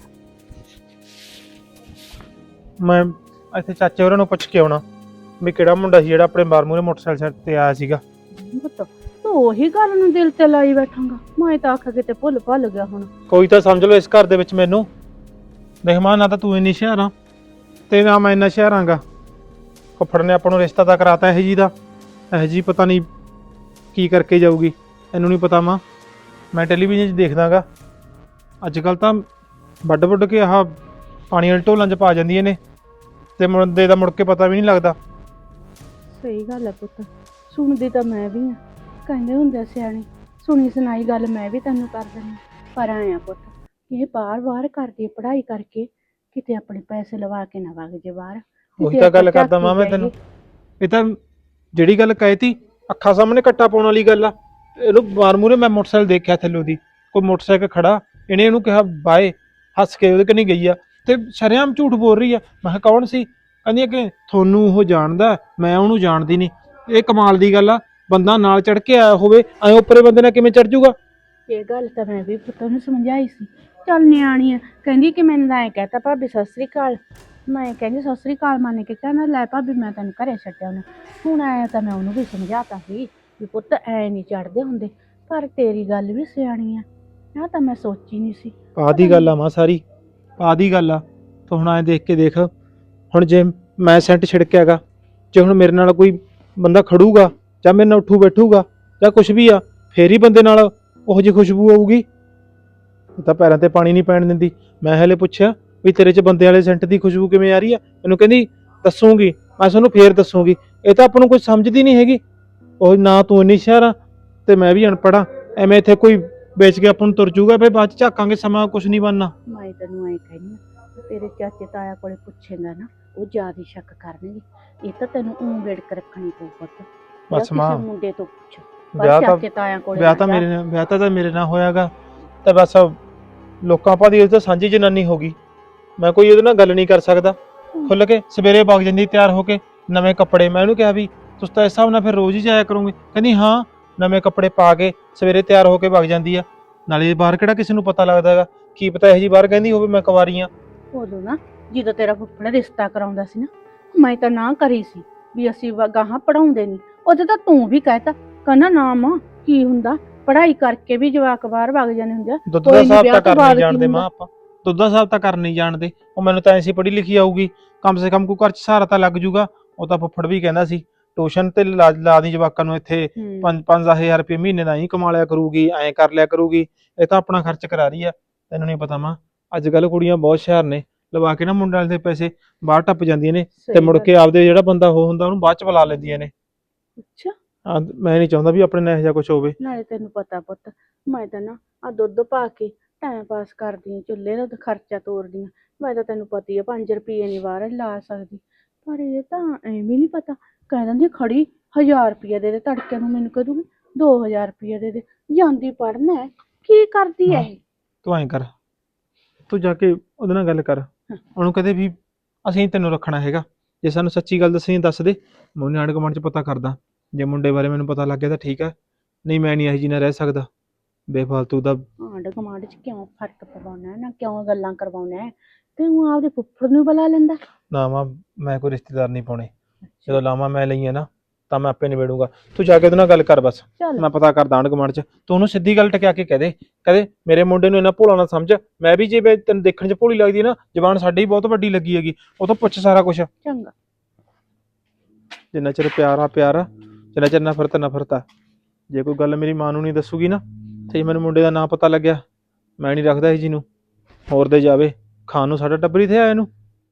A: ਮੈਂ ਇੱਥੇ ਚਾਚੇ ਹੋਰਾਂ ਨੂੰ ਪੁੱਛ ਕੇ ਆਉਣਾ ਵੀ ਕਿਹੜਾ ਮੁੰਡਾ ਸੀ ਜਿਹੜਾ ਆਪਣੇ ਬਾਰਮੂਰੇ ਮੋਟਰਸਾਈਕਲ ਤੇ ਆਇਆ ਸੀਗਾ।
C: ਪੁੱਤ ਤੂੰ ਉਹੀ ਗੱਲ ਨੂੰ ਦਿਲ ਤੇ ਲਾਈ ਬੈਠਾਂਗਾ। ਮੈਂ ਤਾਂ ਆਖ ਕਿਤੇ ਭੁੱਲ ਗਿਆ ਹੁਣ।
A: ਕੋਈ ਤਾਂ ਸਮਝ ਲਓ ਇਸ ਘਰ ਦੇ ਵਿੱਚ ਮੈਨੂੰ। ਦੇਖ ਮਾਂ, ਨਾ ਤਾਂ ਤੂੰ ਇੰਨੀ ਸ਼ਹਿਰ ਆ ਤੇ ਨਾ ਮੈਂ ਇੰਨਾ ਸ਼ਹਿਰ ਆਂਗਾ। ਫੁੱਫੜ ਨੇ ਆਪਾਂ ਨੂੰ ਰਿਸ਼ਤਾ ਤਾਂ ਕਰਾਤਾ ਇਹ ਜੀ ਦਾ, ਇਹ ਜੀ ਪਤਾ ਨਹੀਂ ਕੀ ਕਰਕੇ ਜਾਊਗੀ, ਇਹਨੂੰ ਨਹੀਂ ਪਤਾ। ਮਾਂ ਮੈਂ ਟੈਲੀਵਿਜ਼ਨ 'ਚ ਦੇਖਦਾਗਾ ਅੱਜ ਕੱਲ੍ਹ ਤਾਂ ਵੱਡ ਕੇ ਆਹ ਪਾਣੀ ਵਾਲੇ ਢੋਲਾਂ 'ਚ ਪਾ ਜਾਂਦੀਆਂ ਨੇ ਤੇ ਮੁੰਡੇ ਦਾ ਮੁੜ ਕੇ ਪਤਾ ਵੀ ਨਹੀਂ ਲੱਗਦਾ।
C: ਸਹੀ ਗੱਲ ਹੈ ਪੁੱਤ, ਸੁਣਦੀ ਤਾਂ ਮੈਂ ਵੀ ਆ। ਕਹਿੰਦੇ ਹੁੰਦੇ ਸਿਆਣੇ, ਸੁਣੀ ਸੁਣਾਈ ਗੱਲ ਮੈਂ ਵੀ ਤੈਨੂੰ ਕਰ ਦਿੰਦੀ। ਪਰ ਆਇਆ ਪੁੱਤ, ਇਹ ਬਾਹਰ ਕਰਦੀ ਪੜ੍ਹਾਈ ਕਰਕੇ ਕਿਤੇ ਆਪਣੇ ਪੈਸੇ ਲਵਾ ਕੇ ਨਾ ਵਗ ਜੇ ਬਾਹਰ।
A: ਉਹੀ ਤਾਂ ਗੱਲ ਕਰਦਾ ਮਾਂ ਮੈਂ ਤੈਨੂੰ। ਇਹ ਤਾਂ ਜਿਹੜੀ ਗੱਲ ਕਹੀ ਤੀ ਅੱਖਾਂ ਸਾਹਮਣੇ ਕੱਟਾ ਪਾਉਣ ਵਾਲੀ ਗੱਲ ਆ। ਇਹਨੂੰ ਬਾਰਮੂਰੇ ਮੈਂ ਮੋਟਰਸਾਈਕਲ ਦੇਖਿਆ ਥੱਲੋਂ ਦੀ, ਕੋਈ ਮੋਟਰਸਾਈਕਲ ਖੜਾ, ਇਹਨੇ ਇਹਨੂੰ ਕਿਹਾ ਬਾਏ, ਹੱਸ ਕੇ ਉਹਦੇ ਕਨੀ ਗਈ ਆ ਤੇ ਸ਼ਰੇਆਮ ਝੂਠ ਬੋਲ ਰਹੀ ਆ। ਮੈਂ ਕਿਹਾ ਕੌਣ ਸੀ? ਕਹਿੰਦੀ ਕਿ ਤੁਹਾਨੂੰ ਉਹ ਜਾਣਦਾ, ਮੈਂ ਉਹਨੂੰ ਜਾਣਦੀ ਨਹੀਂ। ਇਹ ਕਮਾਲ ਦੀ ਗੱਲ ਆ, ਬੰਦਾ ਨਾਲ ਚੜ ਕੇ ਆਇਆ ਹੋਵੇ, ਐ ਉੱਪਰੇ ਬੰਦੇ ਨਾਲ ਕਿਵੇਂ ਚੜ ਜਾਊਗਾ?
C: ਇਹ ਗੱਲ ਤਾਂ ਮੈਂ ਵੀ ਪੁੱਤ ਨੂੰ ਸਮਝਾਈ ਸੀ। ਚੱਲ ਨਿਆਣੀ ਆ, ਕਹਿੰਦੀ ਕਿ ਮੈਨੂੰ ਤਾਂ ਐਂ ਕਹਿਤਾ ਭਾਬੀ ਸਤਿ ਸ੍ਰੀ ਅਕਾਲ। ਮੈਂ ਕਹਿੰਦੀ ਸਤਿ ਸ੍ਰੀ ਅਕਾਲ ਮੰਨ ਕੇ ਕਹਿੰਦਾ ਲੈ ਭਾਬੀ ਮੈਂ ਤੈਨੂੰ ਘਰੇ ਛੱਡਿਆ ਉਹਨੇ। ਹੁਣ ਆਇਆ ਤਾਂ ਮੈਂ ਉਹਨੂੰ ਵੀ ਸਮਝਾਤਾ ਸੀ ਵੀ ਪੁੱਤ ਐ ਨਹੀਂ ਚੜਦੇ ਹੁੰਦੇ। ਪਰ ਤੇਰੀ ਗੱਲ ਵੀ ਸਿਆਣੀ ਆ, ਨਾ ਤਾਂ ਮੈਂ ਸੋਚੀ ਨਹੀਂ ਸੀ।
A: ਆਦੀ ਗੱਲ ਆ ਮਾਂ, ਸਾਰੀ ਆਦੀ ਗੱਲ ਆ। ਤੂੰ ਹੁਣ ਐ ਦੇਖ ਕੇ ਦੇਖ, ਹੁਣ ਜੇ ਮੈਂ ਸੈਂਟ ਛਿੜਕਿਆਗਾ, ਜੇ ਹੁਣ ਮੇਰੇ ਨਾਲ ਕੋਈ ਬੰਦਾ ਖੜੂਗਾ ਜਾਂ ਮੇਰੇ ਨਾਲ ਉੱਠੂ ਬੈਠੂਗਾ ਜਾਂ ਕੁਝ ਵੀ ਆ, ਫੇਰ ਹੀ ਬੰਦੇ ਨਾਲ ਉਹੋ ਜਿਹੀ ਖੁਸ਼ਬੂ ਆਊਗੀ। ਇਹ ਤਾਂ ਪੈਰਾਂ ਤੇ ਪਾਣੀ ਨਹੀਂ ਪੈਣ ਦਿੰਦੀ। ਮੈਂ ਹਲੇ ਪੁੱਛਿਆ ਵੀ ਤੇਰੇ 'ਚ ਬੰਦੇ ਵਾਲੇ ਸੈਂਟ ਦੀ ਖੁਸ਼ਬੂ ਕਿਵੇਂ ਆ ਰਹੀ ਆ? ਮੈਨੂੰ ਕਹਿੰਦੀ ਦੱਸੂਗੀ, ਮੈਂ ਤੁਹਾਨੂੰ ਫੇਰ ਦੱਸੂਗੀ। ਇਹ ਤਾਂ ਆਪਾਂ ਨੂੰ ਕੋਈ ਸਮਝਦੀ ਨਹੀਂ ਹੈਗੀ। ਉਹ ਨਾ ਤੂੰ ਇੰਨੀ ਸ਼ਹਿਰ ਆ ਤੇ ਮੈਂ ਵੀ ਅਨਪੜ੍ਹ ਆ, ਐਵੇਂ ਇੱਥੇ ਕੋਈ ਵੇਚ ਕੇ ਆਪਾਂ ਨੂੰ ਤੁਰ ਜੂਗਾ, ਫਿਰ ਬਾਅਦ 'ਚ ਝਾਕਾਂਗੇ, ਸਮਾਂ ਕੁਝ ਨਹੀਂ ਬਣਨਾ।
C: ਮੈਂ ਤੈਨੂੰ ਐਂ ਕਹਿੰਦੀ ਆ, ਤੇਰੇ ਚਾਚੇ ਤਾਇਆ ਕੋਲੇ ਪੁੱਛੇਗਾ ਨਾ, ਉਹ ਜ਼ਿਆਦਾ ਸ਼ੱਕ ਕਰਨਗੇ। ਇਹ ਤਾਂ ਤੈਨੂੰ ਵੇੜਕ ਰੱਖਣੀ ਪਊ ਪੁੱਤ।
A: ਬਸ ਮਾਂ,
C: ਮੁੰਡੇ ਤੋਂ ਪੁੱਛ।
A: ਵਿਆਹ ਤਾਂ
C: ਚਾਚੇ ਤਾਇਆ ਕੋਲੇ
A: ਵਿਆਹ ਤਾਂ ਮੇਰੇ ਨਾਲ ਹੋਇਆਗਾ ਤੇ ਬਸ ਲੋਕਾਂ ਭਾਦੀ ਉਹ ਤਾਂ ਸਾਂਝੀ ਜਨਾਨੀ ਹੋ ਗਈ। ਮੈਂ ਕੋਈ ਉਹਦੇ ਨਾਲ ਗੱਲ ਨਹੀਂ ਕਰ ਸਕਦਾ। ਖੁੱਲ ਕੇ ਸਵੇਰੇ ਵਗ ਜਾਂਦੀ ਤਿਆਰ ਹੋ ਕੇ, ਨਵੇਂ ਕੱਪੜੇ। ਮੈਂ ਉਹਨੂੰ ਕਿਹਾ ਵੀ ਤੁਸੀਂ ਤਾਂ ਇਸ ਹਿਸਾਬ ਨਾਲ ਫਿਰ ਰੋਜ਼ ਹੀ ਜਾਇਆ ਕਰੋਗੇ। ਕਹਿੰਦੀ ਹਾਂ, ਨਵੇਂ ਕੱਪੜੇ ਪਾ ਕੇ ਸਵੇਰੇ ਤਿਆਰ ਹੋ ਕੇ ਵਗ ਜਾਂਦੀ ਆ। ਨਾਲੇ ਬਾਹਰ ਕਿਹੜਾ ਕਿਸੇ ਨੂੰ ਪਤਾ ਲੱਗਦਾ ਹੈਗਾ, ਕੀ ਪਤਾ ਇਹੋ ਜੀ ਬਾਹਰ ਕਹਿੰਦੀ ਹੋਵੇ ਮੈਂ ਕੁਆਰੀ ਆ।
C: ਉਦੋਂ ਨਾ ਜਦੋਂ ਤੇਰਾ ਫੁੱਫੜ ਰਿਸ਼ਤਾ ਕਰਾਉਂਦਾ ਸੀ ਨਾ, ਮੈਂ ਤਾਂ ਨਾ ਕਰੀ ਸੀ ਵੀ ਅਸੀਂ ਗਾਹਾਂ ਪੜਾਉਂਦੇ ਨਹੀਂ। ਉਦੋਂ ਤਾਂ ਤੂੰ ਵੀ ਕਹਿਤਾ, ਕਹਿੰਦਾ ਨਾ ਮਾਂ ਕੀ ਹੁੰਦਾ, ਪੜ੍ਹਾਈ ਕਰਕੇ ਵੀ ਜਵਾਕ ਬਾਹਰ ਵਗ ਜਾਂਦੇ ਹੁੰਦੇ ਆ।
A: ਦੁੱਧ ਦਾ
C: ਕੋਈ ਨੀ,
A: ਹਿਸਾਬ
C: ਵਿਆਹ
A: ਤਾਂ
C: ਤੋਂ
A: ਕਰ ਨਹੀਂ
C: ਬਾਅਦ ਕੀ
A: ਜਾਣਦੇ
C: ਹੁੰਦਾ।
A: ਮਾਂ ਆਪਾਂ, ਦੁੱਧ ਦਾ ਹਿਸਾਬ ਤਾਂ ਕਰ ਨਹੀਂ ਜਾਣਦੇ। ਉਹ ਮੈਨੂੰ ਤਾਂ ਐਸੀ ਪੜ੍ਹੀ ਲਿਖੀ ਆਊਗੀ, ਕਮ ਸੇ ਕਮ ਕੋਈ ਘਰ 'ਚ ਸਹਾਰਾ ਤਾਂ ਲੱਗ ਜੂਗਾ। ਉਹ ਤਾਂ ਫੁੱਫੜ ਵੀ ਕਹਿੰਦਾ ਸੀ ਟਿਊਸ਼ਨ ਤੇ ਲਾ ਦੀ ਜਵਾਕਾਂ ਨੂੰ, ਇੱਥੇ 5-1000 ਰੁਪਏ ਮਹੀਨੇ ਦਾ ਹੀ ਕਮਾ ਲਿਆ ਕਰੂਗੀ, ਐਂ ਕਰ ਲਿਆ ਕਰੂਗੀ। ਇਹ ਤਾਂ ਆਪਣਾ ਖਰਚ ਕਰਾ ਰਹੀ ਆ। ਤੈਨੂੰ ਨਹੀਂ ਪਤਾ ਮਾਂ, ਅੱਜ ਕੱਲ ਕੁੜੀਆਂ ਬਹੁਤ ਹੁਸ਼ਿਆਰ ਨੇ, ਲਵਾ ਕੇ ਨਾ ਮੁੰਡਿਆਂ ਦੇ ਪੈਸੇ ਬਾਹਰ ਟੱਪ ਜਾਂਦੀਆਂ ਨੇ, ਤੇ ਮੁੜ ਕੇ ਆਪਦੇ ਜਿਹੜਾ ਬੰਦਾ ਉਹ ਹੁੰਦਾ ਉਹਨੂੰ ਬਾਅਦ ਚ ਬੁਲਾ ਲੈਂਦੀਆਂ ਨੇ।
C: ਅੱਛਾ,
A: ਮੈਂ ਨਹੀਂ ਚਾਹੁੰਦਾ ਵੀ ਆਪਣੇ ਨਾਲ ਇਹੋ ਜਿਹਾ ਕੁਝ ਹੋਵੇ।
C: ਨਾਲੇ ਤੈਨੂੰ ਪਤਾ ਪੁੱਤ, ਮੈਂ ਤਾਂ ਨਾ ਆ ਦੁੱਧ ਪਾ ਕੇ ਟਾਈਮ ਪਾਸ ਕਰਦੀ ਆ, ਚੁੱਲ੍ਹੇ ਦਾ ਖਰਚਾ ਤੋਰਦੀ ਆ। ਮੈਂ ਤਾਂ ਤੈਨੂੰ ਪਤੀ ਆ 5 ਰੁਪਏ ਨਹੀਂ ਬਾਹਰ ਲਾ ਸਕਦੀ, ਪਰ ਇਹ ਤਾਂ ਐਵੇਂ ਨਹੀਂ ਪਤਾ। ਕਹਿ ਦਿੰਦੀ ਖੜੀ 1000 ਰੁਪਏ ਦੇ ਦੇ, ਤੜਕੇ ਨੂੰ ਮੈਨੂੰ ਕਹਿ ਦੂਗੀ 2000 ਰੁਪਏ ਦੇ ਦੇ, ਜਾਂਦੀ ਪੜਨਾ ਕੀ ਕਰਦੀ ਐ ਇਹ?
A: ਤੂੰ ਐਂ ਕਰ, ਤੂੰ ਜਾ ਕੇ ਉਹਦੇ ਨਾਲ ਗੱਲ ਕਰ, ਉਹਨੂੰ ਕਹਦੇ ਵੀ ਅਸੀਂ ਤੈਨੂੰ ਰੱਖਣਾ ਹੈਗਾ, ਜੇ ਸਾਨੂੰ ਸੱਚੀ ਗੱਲ ਦੱਸੀ ਦੱਸ ਦੇ, ਮੈਂ ਉਹਨੇ ਆਂਢ ਗੁਆਂਢ ਚ ਪਤਾ ਕਰਦਾ। ਜੇ ਮੁੰਡੇ ਬਾਰੇ ਮੈਨੂੰ ਪਤਾ ਲੱਗ ਗਿਆ ਤਾਂ ਠੀਕ ਹੈ, ਨਹੀਂ ਮੈਂ ਨਹੀਂ ਇਹੋ ਜਿਹੀ ਨਾਲ ਰਹਿ ਸਕਦਾ। ਬੇਫਾਲਤੂ ਦਾ
C: ਆਂਢ ਗੁਆਂਢ ਚ ਕਿਉਂ ਫਰਕ ਪਵਾਉਣਾ ਨਾ, ਕਿਉਂ ਗੱਲਾਂ ਕਰਵਾਉਣਾ? ਤੇ ਉਹ ਆਪਦੇ ਫੁੱਫੜ ਨੂੰ ਬੁਲਾ ਲੈਂਦਾ।
A: ਨਾ ਮਾਂ, ਮੈਂ ਕੋਈ ਰਿਸ਼ਤੇਦਾਰ ਨਹੀਂ ਪਾਉਣੇ। ਜਦੋਂ ਲਾਵਾਂ ਮੈਂ ਲਈਆਂ ਨਾ ਤਾਂ ਮੈਂ ਆਪੇ ਨਿਬੇੜੂਗਾ। ਤੂੰ ਜਾ ਕੇ ਉਹਦੇ ਨਾਲ ਗੱਲ ਕਰ ਬਸ,
C: ਚੱਲ
A: ਮੈਂ ਪਤਾ ਕਰਦਾ ਆਂਢ ਗੁਆਂਢ ਚ। ਤੂੰ ਉਹਨੂੰ ਸਿੱਧੀ ਗੱਲ ਟਕਿਆ ਕੇ ਕਹਦੇ, ਕਹਦੇ ਮੇਰੇ ਮੁੰਡੇ ਨੂੰ ਇੰਨਾ ਭੋਲਾ ਨਾ ਸਮਝ। ਮੈਂ ਵੀ ਜੇ ਤੈਨੂੰ ਦੇਖਣ ਚ ਭੋਲੀ ਲੱਗਦੀ ਹੈ ਨਾ, ਜ਼ਬਾਨ ਸਾਡੀ ਬਹੁਤ ਵੱਡੀ ਲੱਗੀ ਹੈਗੀ, ਉਹ ਤੋਂ ਪੁੱਛ ਸਾਰਾ ਕੁਝ।
C: ਚੰਗਾ,
A: ਜਿੰਨਾ ਚਿਰ ਪਿਆਰ ਆ ਪਿਆਰ ਆ, ਜਿੰਨਾ ਚਿਰ ਨਫ਼ਰਤ ਨਫ਼ਰਤ ਆ। ਜੇ ਕੋਈ ਗੱਲ ਮੇਰੀ ਮਾਂ ਨੂੰ ਨਹੀਂ ਦੱਸੂਗੀ ਨਾ, ਤੇ ਮੈਨੂੰ ਮੁੰਡੇ ਦਾ ਨਾਂ ਪਤਾ ਲੱਗਿਆ, ਮੈਂ ਨਹੀਂ ਰੱਖਦਾ ਇਹ ਜੀ ਨੂੰ, ਹੋਰ ਦੇ ਜਾਵੇ ਖਾਣ ਨੂੰ, ਸਾਡਾ ਟੱਬਰ ਹੀ ਥੇ ਆਇਆ ਇਹਨੂੰ।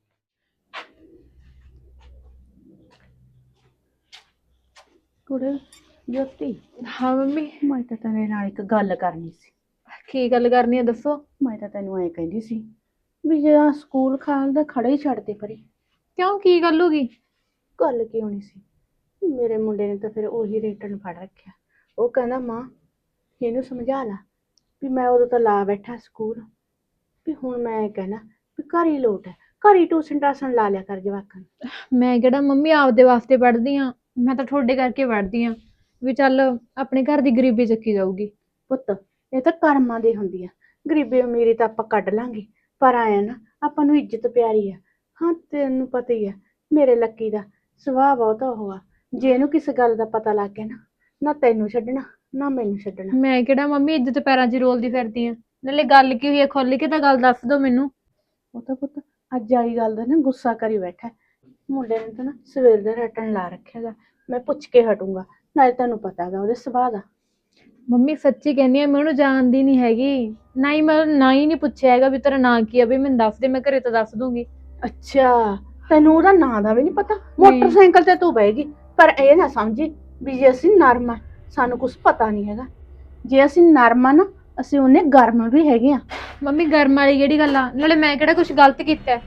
C: ਕੁੜੇ ਜੋਤੀ,
B: ਹਾਂ ਮੰਮੀ।
C: ਮੈਂ ਤਾਂ ਤੇਰੇ ਨਾਲ ਇੱਕ ਗੱਲ ਕਰਨੀ ਸੀ।
B: ਕੀ ਗੱਲ ਕਰਨੀ ਹੈ ਦੱਸੋ।
C: ਮੈਂ ਤਾਂ ਤੈਨੂੰ ਐਂ ਕਹਿੰਦੀ ਸੀ ਵੀ ਜਿਹੜਾ ਸਕੂਲ ਖਾਲ ਦਾ ਖੜਾ ਹੀ ਛੱਡ ਦੇ ਪਰੇ।
B: ਕਿਉਂ, ਕੀ ਗੱਲ ਹੋ ਗਈ?
C: ਗੱਲ ਕੀ ਹੋਣੀ ਸੀ, ਮੇਰੇ ਮੁੰਡੇ ਨੇ ਤਾਂ ਫਿਰ ਉਹੀ ਰਿਟਰਨ ਫੜ ਰੱਖਿਆ। ਉਹ ਕਹਿੰਦਾ ਮਾਂ ਇਹਨੂੰ ਸਮਝਾ ਲਾ ਵੀ ਮੈਂ ਉਦੋਂ ਤਾਂ ਲਾ ਬੈਠਾ ਸਕੂਲ, ਵੀ ਹੁਣ ਮੈਂ ਕਹਿਣਾ ਵੀ ਘਰ ਹੀ ਲੋਟ ਹੈ, ਘਰ ਹੀ ਟਿਊਸ਼ਨ ਟਾਸ਼ਨ ਲਾ ਲਿਆ ਕਰ ਜਵਾਕਾਂ ਨੂੰ।
B: ਮੈਂ ਕਿਹੜਾ ਮੰਮੀ ਆਪਦੇ ਵਾਸਤੇ ਪੜ੍ਹਦੀ ਆ, ਮੈਂ ਤਾਂ ਤੁਹਾਡੇ ਕਰਕੇ ਪੜ੍ਹਦੀ ਆ ਵੀ ਚੱਲ ਆਪਣੇ ਘਰ ਦੀ ਗਰੀਬੀ ਚੱਕੀ ਜਾਊਗੀ।
C: ਪੁੱਤ ਇਹ ਤਾਂ ਕਰਮਾਂ ਦੀ ਹੁੰਦੀ ਆ, ਗਰੀਬੀ ਅਮੀਰੀ ਤਾਂ ਆਪਾਂ ਕੱਢ ਲਾਂਗੇ, ਪਰ ਆਇਆ ਨਾ ਆਪਾਂ ਨੂੰ ਇੱਜ਼ਤ ਪਿਆਰੀ ਆ। ਹਾਂ ਤੈਨੂੰ ਪਤਾ ਹੀ ਆ ਮੇਰੇ ਲੱਕੀ ਦਾ ਸੁਭਾਅ ਬਹੁਤ ਉਹ ਆ, ਜੇ ਇਹਨੂੰ ਕਿਸੇ ਗੱਲ ਦਾ ਪਤਾ ਲੱਗ ਗਿਆ ਨਾ, ਨਾ ਤੈਨੂੰ ਛੱਡਣਾ ਨਾ ਮੈਨੂੰ ਛੱਡਣਾ।
B: ਮੈਂ ਕਿਹੜਾ ਮੰਮੀ ਇੱਜ਼ਤ ਪੈਰਾਂ 'ਚ ਰੋਲਦੀ ਫਿਰਦੀ ਆ, ਨਾਲੇ ਗੱਲ ਕੀ ਹੋਈ ਹੈ ਖੁੱਲ ਕੇ ਤਾਂ ਗੱਲ ਦੱਸ ਦਿਓ ਮੈਨੂੰ।
C: ਉਹ ਤਾਂ ਪੁੱਤ ਅੱਜ ਵਾਲੀ ਗੱਲ ਦਾ ਨਾ ਗੁੱਸਾ ਕਰੀ ਬੈਠਾ, ਮੁੰਡੇ ਨੇ ਤਾਂ ਨਾ ਸਵੇਰ ਦਾ ਰਟਣ ਲਾ ਰੱਖਿਆਗਾ। ਮੈਂ ਪੁੱਛ ਕੇ ਹਟੂੰਗਾ, ਨਾਲੇ ਤੈਨੂੰ ਪਤਾ ਹੈਗਾ ਉਹਦੇ ਸੁਭਾਅ ਦਾ।
B: ਮੰਮੀ ਸੱਚੀ ਕਹਿੰਦੀ ਆ, ਮੈਂ ਉਹਨੂੰ ਜਾਣਦੀ ਨਹੀਂ ਹੈਗੀ, ਨਾ ਹੀ ਮੈਂ ਨਾ ਹੀ ਨਹੀਂ ਪੁੱਛਿਆ ਹੈਗਾ ਵੀ ਤੇਰਾ ਨਾਂ ਕੀ ਆ, ਵੀ ਮੈਨੂੰ ਦੱਸ ਦੇ, ਮੈਂ ਘਰੇ ਤਾਂ ਦੱਸ ਦੂੰਗੀ।
C: ਅੱਛਾ, ਤੈਨੂੰ ਉਹਦਾ ਨਾਂ ਦਾ ਵੀ ਨਹੀਂ ਪਤਾ? ਮੋਟਰਸਾਈਕਲ ਤੇ ਤੂੰ ਬਹਿਗੀ, ਪਰ ਇਹ ਨਾ ਸਮਝੀ ਵੀ ਜੇ ਅਸੀਂ ਨਰਮ ਆ ਸਾਨੂੰ ਕੁਝ ਪਤਾ ਨਹੀਂ ਹੈਗਾ। ਜੇ ਅਸੀਂ ਨਰਮ ਆ ਨਾ, ਅਸੀਂ ਉਹਨੇ ਗਰਮ ਵੀ ਹੈਗੇ ਆ।
B: ਮੰਮੀ ਗਰਮ ਵਾਲੀ ਕਿਹੜੀ ਗੱਲ ਆ, ਨਾਲੇ ਮੈਂ ਕਿਹੜਾ ਕੁਝ ਗਲਤ ਕੀਤਾ?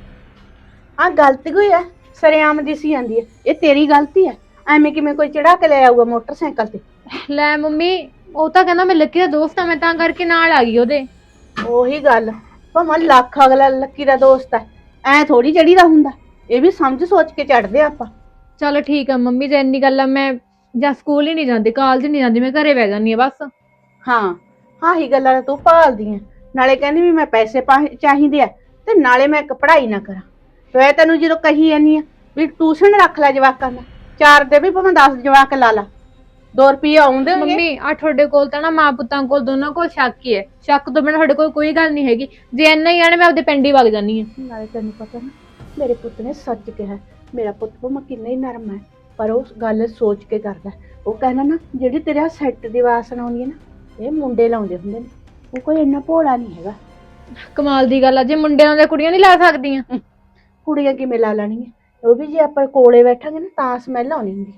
C: ਆ ਗਲਤੀ ਕੋਈ ਹੈ ਸਰੇਆਮ ਦਿਸੀ ਜਾਂਦੀ ਹੈ, ਇਹ ਤੇਰੀ ਗਲਤੀ ਹੈ। ਐਵੇਂ ਕਿਵੇਂ ਕੋਈ ਚੜਾ ਕੇ ਲੈ ਆਊਗਾ ਮੋਟਰਸਾਈਕਲ ਤੇ?
B: ਲੈ ਮੰਮੀ, ਉਹ ਤਾਂ ਕਹਿੰਦਾ ਮੈਂ ਲੱਕੀ ਦਾ ਦੋਸਤ ਆ, ਮੈਂ ਤਾਂ ਕਰਕੇ ਨਾਲ ਆ ਗਈ ਉਹਦੇ।
C: ਉਹੀ ਗੱਲ, ਭਾਵੇਂ ਲੱਖ ਅਗਲਾ ਲੱਕੀ ਦਾ ਦੋਸਤ ਹੈ, ਐ ਥੋੜੀ ਚੜੀਦਾ ਹੁੰਦਾ, ਇਹ ਵੀ ਸਮਝ ਸੋਚ ਕੇ ਚੜਦੇ ਆਪਾਂ।
B: ਚਲੋ ਠੀਕ ਆ ਮੰਮੀ, ਜੇ ਇੰਨੀ ਗੱਲ ਆ ਮੈਂ ਜਾਂ ਸਕੂਲ ਹੀ ਨਹੀਂ ਜਾਂਦੀ, ਕਾਲਜ ਨਹੀਂ ਜਾਂਦੀ, ਮੈਂ ਘਰੇ ਬਹਿ ਜਾਂਦੀ ਆ ਬਸ।
C: ਹਾਂ ਆਹੀ ਗੱਲਾਂ ਤਾਂ ਤੂੰ ਭਾਲਦੀ ਆ, ਨਾਲੇ ਕਹਿੰਦੀ ਵੀ ਮੈਂ ਪੈਸੇ ਚਾਹੀਦੇ ਆ, ਤੇ ਨਾਲੇ ਮੈਂ ਇੱਕ ਪੜ੍ਹਾਈ ਨਾ ਕਰਾਂ। ਤੇ ਤੈਨੂੰ ਜਦੋਂ ਕਹੀ ਜਾਂਦੀ ਆ ਵੀ ਟਿਊਸ਼ਨ ਰੱਖ ਲੈ ਜਵਾਕਾਂ ਦਾ, 4 ਦੇ ਵੀ ਭਾਵੇਂ 10 ਜਵਾਕ ਲਾ ਲਾ, 2 ਰੁਪਏ ਆਉਂਦੇ ਹੋਣਗੇ।
B: ਮੰਮੀ ਆ ਤੁਹਾਡੇ ਕੋਲ ਤਾਂ ਨਾ ਮਾਂ ਪੁੱਤਾਂ ਕੋਲ ਦੋਨਾਂ ਕੋਲ ਸ਼ੱਕ ਹੀ ਹੈ, ਸ਼ੱਕ ਤੋਂ ਬਿਨਾਂ ਤੁਹਾਡੇ ਕੋਲ ਕੋਈ ਗੱਲ ਨਹੀਂ ਹੈਗੀ। ਜੇ ਇੰਨਾ ਹੀ ਆਣੇ ਮੈਂ ਆਪਦੇ ਪਿੰਡ ਹੀ ਵਗ ਜਾਂਦੀ ਆ।
C: ਨਾਲੇ ਤੈਨੂੰ ਪਤਾ ਨਾ ਮੇਰੇ ਪੁੱਤ ਨੇ ਸੱਚ ਕਿਹਾ, ਮੇਰਾ ਪੁੱਤ ਭਾਵੇਂ ਕਿੰਨਾ ਹੀ ਨਰਮ ਹੈ, ਪਰ ਉਹ ਗੱਲ ਸੋਚ ਕੇ ਕਰਦਾ। ਉਹ ਕਹਿੰਦਾ ਨਾ ਜਿਹੜੀ ਤੇਰੇ ਸੈੱਟ ਦੀ ਵਾਸਨਾ ਆਉਂਦੀ ਹੈ ਨਾ, ਇਹ ਮੁੰਡੇ ਲਾਉਂਦੇ ਹੁੰਦੇ ਨੇ, ਉਹ ਕੋਈ ਇੰਨਾ ਭੋਲਾ ਨਹੀਂ ਹੈਗਾ।
B: ਕਮਾਲ ਦੀ ਗੱਲ ਆ, ਜੇ ਮੁੰਡਿਆਂ ਦੇ ਕੁੜੀਆਂ ਨਹੀਂ ਲਾ ਸਕਦੀਆਂ?
C: ਕੁੜੀਆਂ ਕਿਵੇਂ ਲਾ ਲੈਣਗੀਆਂ, ਉਹ ਵੀ ਜੇ ਆਪਾਂ ਕੋਲੇ ਬੈਠਾਂਗੇ ਨਾ ਤਾਂ ਸਮੈਲ ਆਉਣੀ ਹੁੰਦੀ।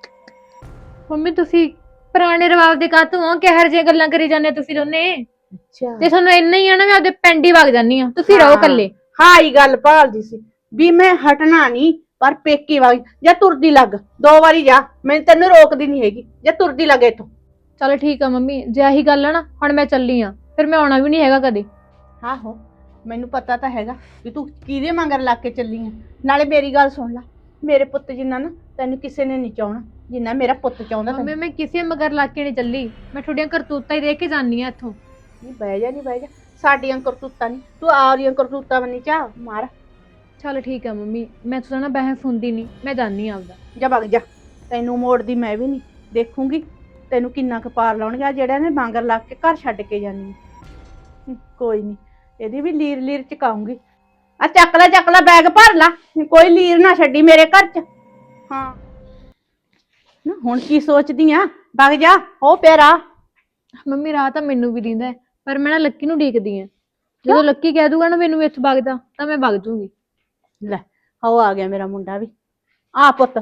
B: ਮੰਮੀ ਤੁਸੀਂ ਪੁਰਾਣੇ ਰਿਵਾਜ ਦੇ ਕਾਤੋਂ ਹੋ, ਕਿਹੋ ਜਿਹੀਆਂ ਗੱਲਾਂ ਕਰੀ ਜਾਂਦੇ ਤੁਸੀਂ ਦੋਨੇ?
C: ਅੱਛਾ,
B: ਤੇ ਤੁਹਾਨੂੰ ਇੰਨਾ ਹੀ ਆ ਨਾ, ਮੈਂ ਆਪਦੇ ਪਿੰਡ ਹੀ ਵਗ ਜਾਂਦੀ ਆ, ਤੁਸੀਂ ਰਹੋ ਇਕੱਲੇ।
C: ਹਾਂ ਇਹ ਗੱਲ ਭਾਲਦੀ ਸੀ ਵੀ ਮੈਂ ਹਟਣਾ ਨਹੀਂ, ਪਰ ਪੇਕੀ ਵਗ ਜਾਂ ਤੁਰਦੀ ਲੱਗ, 2 ਵਾਰੀ ਜਾ, ਮੈਂ ਤੈਨੂੰ ਰੋਕਦੀ ਨਹੀਂ ਹੈਗੀ, ਜਾਂ ਤੁਰਦੀ ਲੱਗ ਇੱਥੋਂ।
B: ਚਲੋ ਠੀਕ ਆ ਮੰਮੀ, ਜੇ ਆਹੀ ਗੱਲ ਆ ਨਾ, ਹੁਣ ਮੈਂ ਚੱਲੀ ਆ, ਫਿਰ ਮੈਂ ਆਉਣਾ ਵੀ ਨਹੀਂ ਹੈਗਾ ਕਦੇ।
C: ਆਹੋ ਮੈਨੂੰ ਪਤਾ ਤਾਂ ਹੈਗਾ ਵੀ ਤੂੰ ਕਿਹਦੇ ਮਗਰ ਲੱਗ ਕੇ ਚੱਲੀ ਆ। ਨਾਲੇ ਮੇਰੀ ਗੱਲ ਸੁਣ ਲੈ, ਮੇਰੇ ਪੁੱਤ ਜਿੰਨਾ ਨਾ ਤੈਨੂੰ ਕਿਸੇ ਨੇ ਨਹੀਂ ਚਾਹਣਾ, ਜਿੰਨਾ ਮੇਰਾ ਪੁੱਤ ਚਾਹੁੰਦਾ
B: ਮੰਮੀ
C: ਤੈਨੂੰ।
B: ਮੈਂ ਕਿਸੇ ਮਗਰ ਲੱਗ ਕੇ ਨਹੀਂ ਚੱਲੀ, ਮੈਂ ਤੁਹਾਡੀਆਂ ਕਰਤੂਤਾਂ ਹੀ ਦੇਖ ਕੇ ਜਾਨੀ ਆ ਇੱਥੋਂ।
C: ਨਹੀਂ ਬਹਿ ਜਾ ਸਾਡੀਆਂ ਕਰਤੂਤਾਂ ਨਹੀਂ, ਤੂੰ ਆਪਦੀਆਂ ਕਰਤੂਤਾਂ ਬੰਨੀ ਚਾ ਮਾਰ।
B: ਚਲ ਠੀਕ ਆ ਮੰਮੀ, ਮੈਂ ਤਾਂ ਨਾ ਬਹਿਸ ਹੁੰਦੀ ਨਹੀਂ, ਮੈਂ ਜਾਨੀ ਆ ਆਪਦਾ।
C: ਜਾ ਵਗ ਜਾ, ਤੈਨੂੰ ਮੋੜਦੀ ਮੈਂ ਵੀ ਨਹੀਂ। ਦੇਖੂੰਗੀ ਤੈਨੂੰ ਕਿੰਨਾ ਕੁ ਪਾਰ ਲਾਉਣਗੇ ਆ ਜਿਹੜਾ ਨੇ ਬਾਂਗਰ ਲਾ ਕੇ ਘਰ ਛੱਡ ਕੇ ਜਾਨੀ ਕੋਈ ਨਹੀਂ, ਇਹਦੀ ਵੀ ਲੀਰ ਲੀਰ ਚਕਾਉਂਗੀ। ਆ ਚੱਕ ਲੈ ਬੈਗ ਭਰ ਲਾ, ਕੋਈ ਲੀਰ ਨਾ ਛੱਡੀ ਮੇਰੇ ਘਰ ਚ। ਹਾਂ ਨਾ ਹੁਣ ਕੀ ਸੋਚਦੀ ਆ, ਵਗ ਜਾ ਉਹ ਪਿਆਰਾ।
B: ਮੰਮੀ ਰਾਹ ਤਾਂ ਮੈਨੂੰ ਵੀ ਦਿੰਦਾ ਹੈ, ਪਰ ਮੈਂ ਨਾ ਲੱਕੀ ਨੂੰ ਡੀਕਦੀ ਆ। ਜਦੋਂ ਲੱਕੀ ਕਹਿ ਦੂਗਾ ਨਾ ਮੈਨੂੰ ਇੱਥੋਂ ਵਗ ਜਾ, ਤਾਂ ਮੈਂ ਵਗ ਜੂਗੀ।
C: ਲੈ ਉਹ ਆ ਗਿਆ ਮੇਰਾ ਮੁੰਡਾ ਵੀ। ਆ ਪੁੱਤ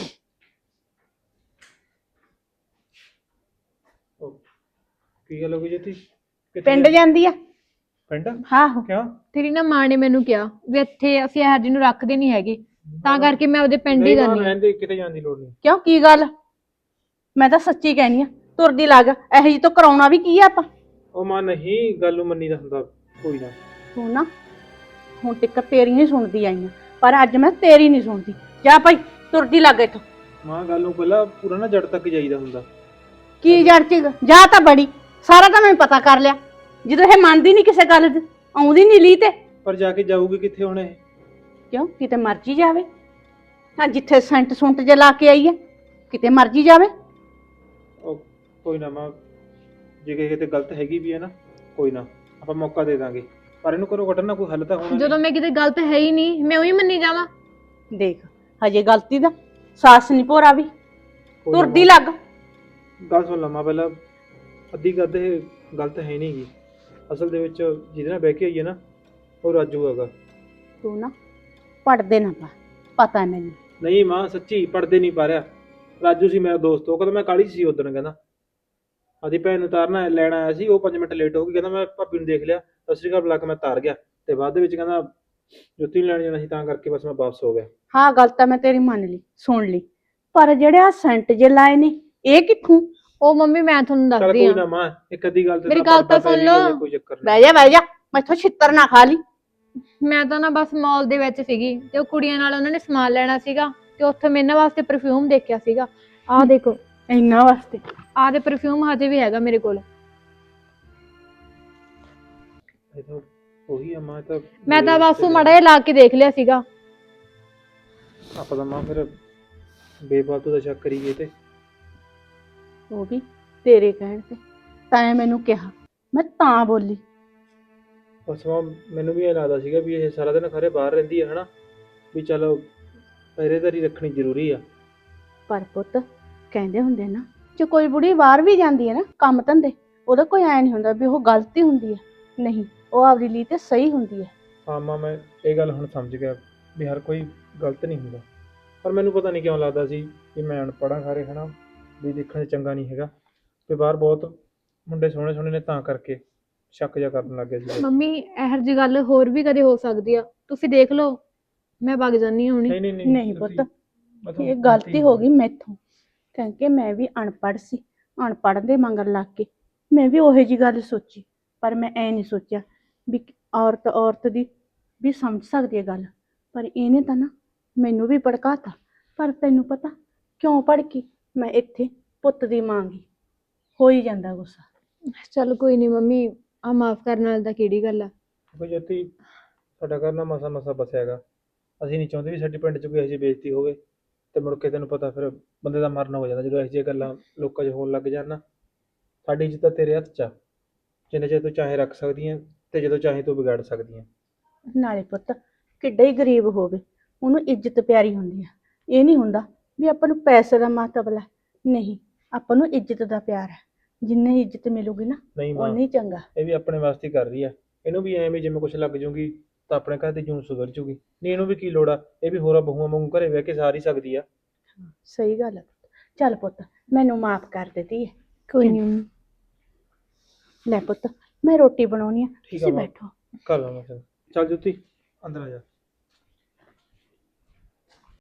A: ਕੀ ਗੱਲ ਹੋ ਗਈ ਜੋਤੀ? ਕਿੱਥੇ
C: ਪਿੰਡ ਜਾਂਦੀ ਆ।
A: ਪਿੰਡ?
C: ਆਹੋ
A: ਕਿਉਂ?
B: ਤੇਰੀ ਨਾ ਮਾਂ ਨੇ ਮੈਨੂੰ ਕਿਹਾ ਵੀ ਇੱਥੇ ਅਸੀਂ ਇਹੋ ਜਿਹੀ ਨੂੰ ਰੱਖਦੇ ਨਹੀਂ ਹੈਗੇ, ਤਾਂ ਕਰਕੇ ਮੈਂ ਉਹਦੇ ਪਿੰਡ ਹੀ
A: ਨਹੀਂ ਮਾਂ,
B: ਜਾਂਦੀ ਹਾਂ।
A: ਰਹਿਣ ਦੇ, ਕਿਤੇ ਜਾਣ ਦੀ ਲੋੜ ਨਹੀਂ।
C: ਕਿਉਂ ਕੀ ਗੱਲ? ਮੈਂ ਤਾਂ ਸੱਚੀ ਕਹਿਨੀ ਆ, ਤੁਰਦੀ ਲੱਗ ਇਹੋ ਜਿਹੀ ਤੋਂ ਕਰਾਉਣਾ ਵੀ ਕੀ ਆ ਆਪਾਂ।
A: ਉਹ ਮਾਂ ਨਹੀਂ, ਗੱਲ ਨੂੰ ਮੰਨੀ ਦਾ ਹੁੰਦਾ, ਕੋਈ ਨਾ।
C: ਤੂੰ ਨਾ ਹੁਣ ਤੱਕ ਤੇਰੀਆਂ ਹੀ ਸੁਣਦੀ ਆਈ ਆ, ਪਰ ਅੱਜ ਮੈਂ ਤੇਰੀ ਨਹੀਂ ਸੁਣਦੀ। ਜਾ ਭਾਈ ਤੁਰਦੀ ਲੱਗ ਇੱਥੋਂ।
A: ਮਾਂ ਗੱਲ ਨੂੰ ਪਹਿਲਾਂ ਪੂਰਾ ਨਾ ਜੜ ਤੱਕ ਜਾਈਦਾ ਹੁੰਦਾ।
C: ਕੀ ਜੜ ਚ ਜਾ ਤਾਂ ਬੜੀ, ਸਾਰਾ ਤਾਂ ਮੈਂ ਪਤਾ ਕਰ ਲਿਆ। ਜਦੋਂ ਇਹ ਮੰਨਦੀ ਨਹੀਂ ਕਿਸੇ ਗੱਲ ਦੀ, ਆਉਂਦੀ ਨਹੀਂ ਲੀ ਤੇ
A: ਪਰ ਜਾ ਕੇ ਜਾਊਗੀ ਕਿੱਥੇ ਹੁਣ ਇਹ?
C: ਕਿਉਂ ਕਿਤੇ ਮਰਜੀ ਜਾਵੇ। ਹਾਂ ਜਿੱਥੇ ਸੈਂਟ ਸੁੰਟ ਜੇ ਲਾ ਕੇ ਆਈ ਹੈ, ਕਿਤੇ ਮਰਜੀ ਜਾਵੇ।
A: ਉਹ ਕੋਈ ਨਾ ਮਾਂ, ਜੇ ਕਿਤੇ ਗਲਤ ਹੈਗੀ ਵੀ ਹੈ ਨਾ, ਕੋਈ ਨਾ ਆਪਾਂ ਮੌਕਾ ਦੇ ਦਾਂਗੇ, ਪਰ ਇਹਨੂੰ ਘਰੋਂ ਕੱਢਣ ਦਾ ਕੋਈ ਹੱਲ ਤਾਂ ਹੋਣਾ।
B: ਜਦੋਂ ਮੈਂ ਕਿਤੇ ਗਲਤ ਹੈ ਹੀ ਨਹੀਂ, ਮੈਂ ਉਹੀ ਮੰਨੀ ਜਾਵਾਂ।
C: ਦੇਖ ਹਜੇ ਗਲਤੀ ਦਾ ਸਾਸ ਨਹੀਂ ਭੋਰਾ ਵੀ,
A: ਕੋਈ ਨਾ
C: ਤੁਰਦੀ
A: ਮਾਂ,
C: ਲੱਗ।
A: ਗੱਲ ਸੁਣ ਲਾ ਮਾਂ ਪਹਿਲਾਂ। ਅੱਧੀ ਗੱਲ ਇਹ ਗਲਤ ਹੈ ਨਹੀਂ ਗੀ, ਅਸਲ ਦੇ ਵਿੱਚ ਜਿਹਦੇ ਨਾਲ ਬਹਿ ਕੇ ਆਈ ਹੈ ਨਾ, ਉਹ ਰਾਜੂ ਹੈਗਾ।
C: ਤੂੰ ਨਾ ਪੜਦੇ ਨਾ ਪਾ, ਪਤਾ ਹੈ ਮੈਨੂੰ।
A: ਨਹੀਂ ਮਾਂ ਸੱਚੀ ਪੜਦੇ ਨਹੀਂ ਪਾ ਰਿਹਾ। ਰਾਜੂ ਸੀ ਮੇਰਾ ਦੋਸਤ, ਉਹ ਕਹਿੰਦਾ ਮੈਂ ਕਾਹਲੀ 'ਚ ਸੀ ਉਦੋਂ, ਕਹਿੰਦਾ ਆਦੀ ਭੈਣ ਨੂੰ ਤਾਰਨਾ ਲੈਣ ਆਇਆ ਸੀ, ਉਹ 5 ਮਿੰਟ ਲੇਟ ਹੋ ਗਈ, ਕਹਿੰਦਾ ਮੈਂ ਭਾਬੀ ਨੂੰ ਦੇਖ ਲਿਆ, ਸਤਿ ਸ਼੍ਰੀ ਅਕਾਲ ਬੁਲਾ ਕੇ ਮੈਂ ਤਾਰ ਗਿਆ, ਤੇ ਬਾਅਦ ਦੇ ਵਿੱਚ ਕਹਿੰਦਾ ਜੁੱਤੀ ਨੂੰ ਲੈਣ ਜਾਣਾ ਸੀ, ਤਾਂ ਕਰਕੇ ਬਸ ਮੈਂ ਵਾਪਸ ਹੋ ਗਿਆ।
C: ਹਾਂ ਗੱਲ ਤਾਂ ਮੈਂ ਤੇਰੀ ਮੰਨ ਲਈ, ਸੁਣ ਲਈ, ਪਰ ਜਿਹੜੇ ਆ ਸੈਂਟ ਜੇ ਲਾਏ ਨੇ ਇਹ ਕਿੱਥੋਂ?
B: ਉਹ ਮੰਮੀ ਮੈਂ ਤੁਹਾਨੂੰ
A: ਚੱਲ
B: ਦੱਸਦੀ
A: ਕੋਈ ਨਾ
B: ਆ।
A: ਮਾਂ, ਇੱਕ ਅੱਧੀ ਗੱਲ ਤੇ
B: ਮੇਰੀ
A: ਤਾਂ
B: ਗੱਲ ਤਾਂ
A: ਪਰਦਾ ਪੈ
B: ਸੁਣ
A: ਜਾਊਗਾ,
B: ਲਓ।
A: ਕੋਈ ਚੱਕਰ ਨਹੀਂ।
C: ਬਹਿ ਜਾ ਮੈਥੋਂ ਛਿੱਤਰ ਨਾ ਖਾ ਲਈ।
B: ਮੈਂ ਤਾਂ ਨਾ ਬਸ ਮਾਲ ਦੇ ਵਿੱਚ ਸੀਗੀ, ਤੇ ਉਹ ਕੁੜੀਆਂ ਨਾਲ ਉਹਨਾਂ ਨੇ ਸਮਾਨ ਲੈਣਾ ਸੀਗਾ, ਤੇ ਉੱਥੇ ਮੈਂ ਇਹਨਾਂ ਵਾਸਤੇ ਪਰਫਿਊਮ ਦੇਖਿਆ ਸੀਗਾ। ਆਹ ਦੇਖੋ,
C: ਇੰਨਾ ਵਾਸਤੇ
B: ਆਹ ਦੇ ਪਰਫਿਊਮ ਹਜੇ ਵੀ ਹੈਗਾ ਮੇਰੇ ਕੋਲ।
A: ਇਹ ਤਾਂ ਉਹੀ ਆ ਮਾਂ, ਇਹ ਤਾਂ
B: ਮੈਂ ਤਾਂ ਬਸ ਉਹ ਮਾੜਾ ਜਿਹਾ ਲਾ ਕੇ ਦੇਖ ਲਿਆ ਸੀਗਾ।
A: ਆਪਾਂ ਤਾਂ ਮਾਂ ਫਿਰ ਬੇਫਾਲਤੂ ਦਾ ਸ਼ੱਕ ਕਰੀਏ ਤੇ।
C: ਉਹ ਵੀ ਤੇਰੇ ਕਹਿਣ ਤੇ, ਤਾਂ ਮੈਨੂੰ ਕਿਹਾ, ਮੈਂ ਤਾਂ ਬੋਲੀ।
A: ਬਸ ਮਾਂ ਮੈਨੂੰ ਵੀ ਇਹ ਲੱਗਦਾ ਸੀਗਾ ਵੀ ਇਹ ਸਾਰਾ ਦਿਨ ਖਰੇ ਬਾਹਰ ਰਹਿੰਦੀ ਹੈ ਹਨਾ, ਵੀ ਚਲੋ ਪਹਿਰੇਦਾਰੀ ਰੱਖਣੀ ਜ਼ਰੂਰੀ ਆ।
C: ਪਰ ਪੁੱਤ ਕਹਿੰਦੇ ਹੁੰਦੇ ਨਾ, ਜੇ ਕੋਈ ਬੁੜੀ ਬਾਹਰ ਵੀ ਜਾਂਦੀ ਹੈ ਨਾ ਕੰਮ ਧੰਦੇ, ਉਹਦਾ ਕੋਈ ਐ ਨਹੀਂ ਹੁੰਦਾ ਵੀ ਉਹ ਗਲਤੀ ਹੁੰਦੀ ਹੈ। ਨਹੀਂ, ਉਹ ਆਪਦੀ ਲਈ ਤੇ ਸਹੀ ਹੁੰਦੀ ਹੈ।
A: ਹਾਂ ਮਾਂ ਮੈਂ ਇਹ ਗੱਲ ਹੁਣ ਸਮਝ ਗਿਆ ਵੀ ਹਰ ਕੋਈ ਗਲਤ ਨਹੀਂ ਹੁੰਦਾ, ਪਰ ਮੈਨੂੰ ਪਤਾ ਨਹੀਂ ਕਿਉਂ ਲੱਗਦਾ ਸੀ ਕਿ ਮੈਂ ਅਨਪੜ੍ਹਾਂ ਖਾਰੇ ਹਨਾ, ਵੀ ਦੇਖਣ 'ਚ ਚੰਗਾ ਨਹੀਂ ਹੈਗਾ, ਤੇ ਬਾਹਰ ਬਹੁਤ ਮੁੰਡੇ ਸੋਹਣੇ ਸੋਹਣੇ ਨੇ, ਤਾਂ ਕਰਕੇ ਸ਼ੱਕ ਜਿਹਾ ਕਰਨ ਲੱਗ ਗਿਆ ਸੀ।
B: ਮੰਮੀ ਇਹੋ ਜਿਹੀ ਗੱਲ ਹੋਰ ਵੀ ਕਦੇ ਹੋ ਸਕਦੀ ਆ, ਤੁਸੀਂ ਦੇਖ ਲਓ। ਮੈਂ ਵਗ ਜਾਨੀ ਹੁਣੀ।
C: ਨਹੀਂ ਪੁੱਤ, ਇਹ ਗਲਤੀ ਹੋ ਗਈ ਮੈਥੋਂ, ਕਿਉਂਕਿ ਮੈਂ ਵੀ ਅਨਪੜ੍ਹ ਸੀ। ਅਨਪੜ੍ਹ ਦੇ ਮਗਰ ਲੱਗ ਕੇ ਮੈਂ ਵੀ ਉਹੋ ਜਿਹੀ ਗੱਲ ਸੋਚੀ, ਪਰ ਮੈਂ ਐ ਨਹੀਂ ਸੋਚਿਆ ਵੀ ਔਰਤ ਦੀ ਵੀ ਸਮਝ ਸਕਦੀ ਹੈ ਗੱਲ। ਪਰ ਇਹਨੇ ਤਾਂ ਨਾ ਮੈਨੂੰ ਵੀ ਭੜਕਾਤਾ। ਪਰ ਤੈਨੂੰ ਪਤਾ ਕਿਉਂ ਭੜਕੀ? ਮੈਂ ਇੱਥੇ ਪੁੱਤ ਦੀ ਮਾਂ ਗੀ, ਹੋ ਹੀ ਜਾਂਦਾ ਗੁੱਸਾ।
B: ਚਲ ਕੋਈ ਨਹੀਂ ਮੰਮੀ, ਆ ਮਾਫ ਕਰਨ ਵਾਲੀ ਤਾਂ ਕਿਹੜੀ ਗੱਲ ਆ।
A: ਕੋਈ ਜੋਤੀ, ਸਾਡਾ ਘਰ ਨਾ ਮਸਾ ਮਸਾ ਬਸਿਆ ਹੈਗਾ, ਅਸੀਂ ਨਹੀਂ ਚਾਹੁੰਦੇ ਵੀ ਸਾਡੇ ਪਿੰਡ 'ਚ ਕੋਈ ਇਹੋ ਜਿਹੀ ਬੇਇੱਜ਼ਤੀ ਹੋਵੇ, ਤੇ ਮੁੜ ਕੇ ਤੈਨੂੰ ਪਤਾ ਫਿਰ ਬੰਦੇ ਦਾ ਮਰਨ ਹੋ ਜਾਂਦਾ ਜਦੋਂ ਇਹੋ ਜਿਹੀਆਂ ਗੱਲਾਂ ਲੋਕਾਂ 'ਚ ਹੋਣ ਲੱਗ ਜਾਣ ਨਾ। ਸਾਡੀ ਇੱਜ਼ਤ ਤਾਂ ਤੇਰੇ ਹੱਥ 'ਚ ਆ, ਜਿੰਨੇ ਚਿਰ ਤੂੰ ਚਾਹੇ ਰੱਖ ਸਕਦੀ ਹੈ, ਤੇ ਜਦੋਂ ਚਾਹੇ ਤੂੰ ਵਿਗਾੜ ਸਕਦੀ ਹੈ।
C: ਨਾਲੇ ਪੁੱਤ ਕਿੱਡਾ ਹੀ ਗਰੀਬ ਹੋਵੇ, ਉਹਨੂੰ ਇੱਜ਼ਤ ਪਿਆਰੀ ਹੁੰਦੀ ਆ। ਇਹ ਨਹੀਂ ਹੁੰਦਾ ਵੀ ਆਪਾਂ ਨੂੰ ਪੈਸੇ ਦਾ ਮਤਲਬ ਹੈ, ਨਹੀਂ, ਆਪਾਂ ਨੂੰ ਇੱਜ਼ਤ ਦਾ ਪਿਆਰ ਹੈ। ਜਿੰਨੀ ਇੱਜ਼ਤ ਮਿਲੂਗੀ ਨਾ
A: ਨਹੀਂ ਮਾਂ,
C: ਉਨਾ ਹੀ ਚੰਗਾ।
A: ਇਹ ਵੀ ਆਪਣੇ ਵਾਸਤੇ ਹੀ ਕਰ ਰਹੀ ਆ, ਇਹਨੂੰ ਵੀ ਐਵੇਂ ਜਿਵੇਂ ਕੁਛ ਲੱਗ ਜੂਗੀ ਤਾਂ ਆਪਣੇ ਘਰ ਦੀ ਜੂਨ ਸੁਧਰ ਜੂਗੀ, ਨਹੀਂ ਇਹਨੂੰ ਵੀ ਕੀ ਲੋੜ ਆ, ਇਹ ਵੀ ਹੋਰਾਂ ਬਹੂਆਂ ਵਾਂਗੂ ਘਰੇ ਬਹਿ ਕੇ ਸਾਰ ਹੀ ਸਕਦੀ ਆ।
C: ਸਹੀ ਗੱਲ ਹੈ। ਚੱਲ ਪੁੱਤ ਮੈਨੂੰ ਮਾਫ ਕਰ ਦਿੱਤੀ ਹੈ।
B: ਕੋਈ ਨਹੀਂ।
C: ਲੈ ਪੁੱਤ ਮੈਂ ਰੋਟੀ ਬਣਾਉਣੀ ਆ,
A: ਠੀਕ ਆ
C: ਤੁਸੀਂ
A: ਮਾਂ।
C: ਬੈਠੋ।
A: ਕਰ ਲਾਂ ਮੈਂ, ਚੱਲ ਜੋਤੀ ਅੰਦਰ ਆ ਜਾ।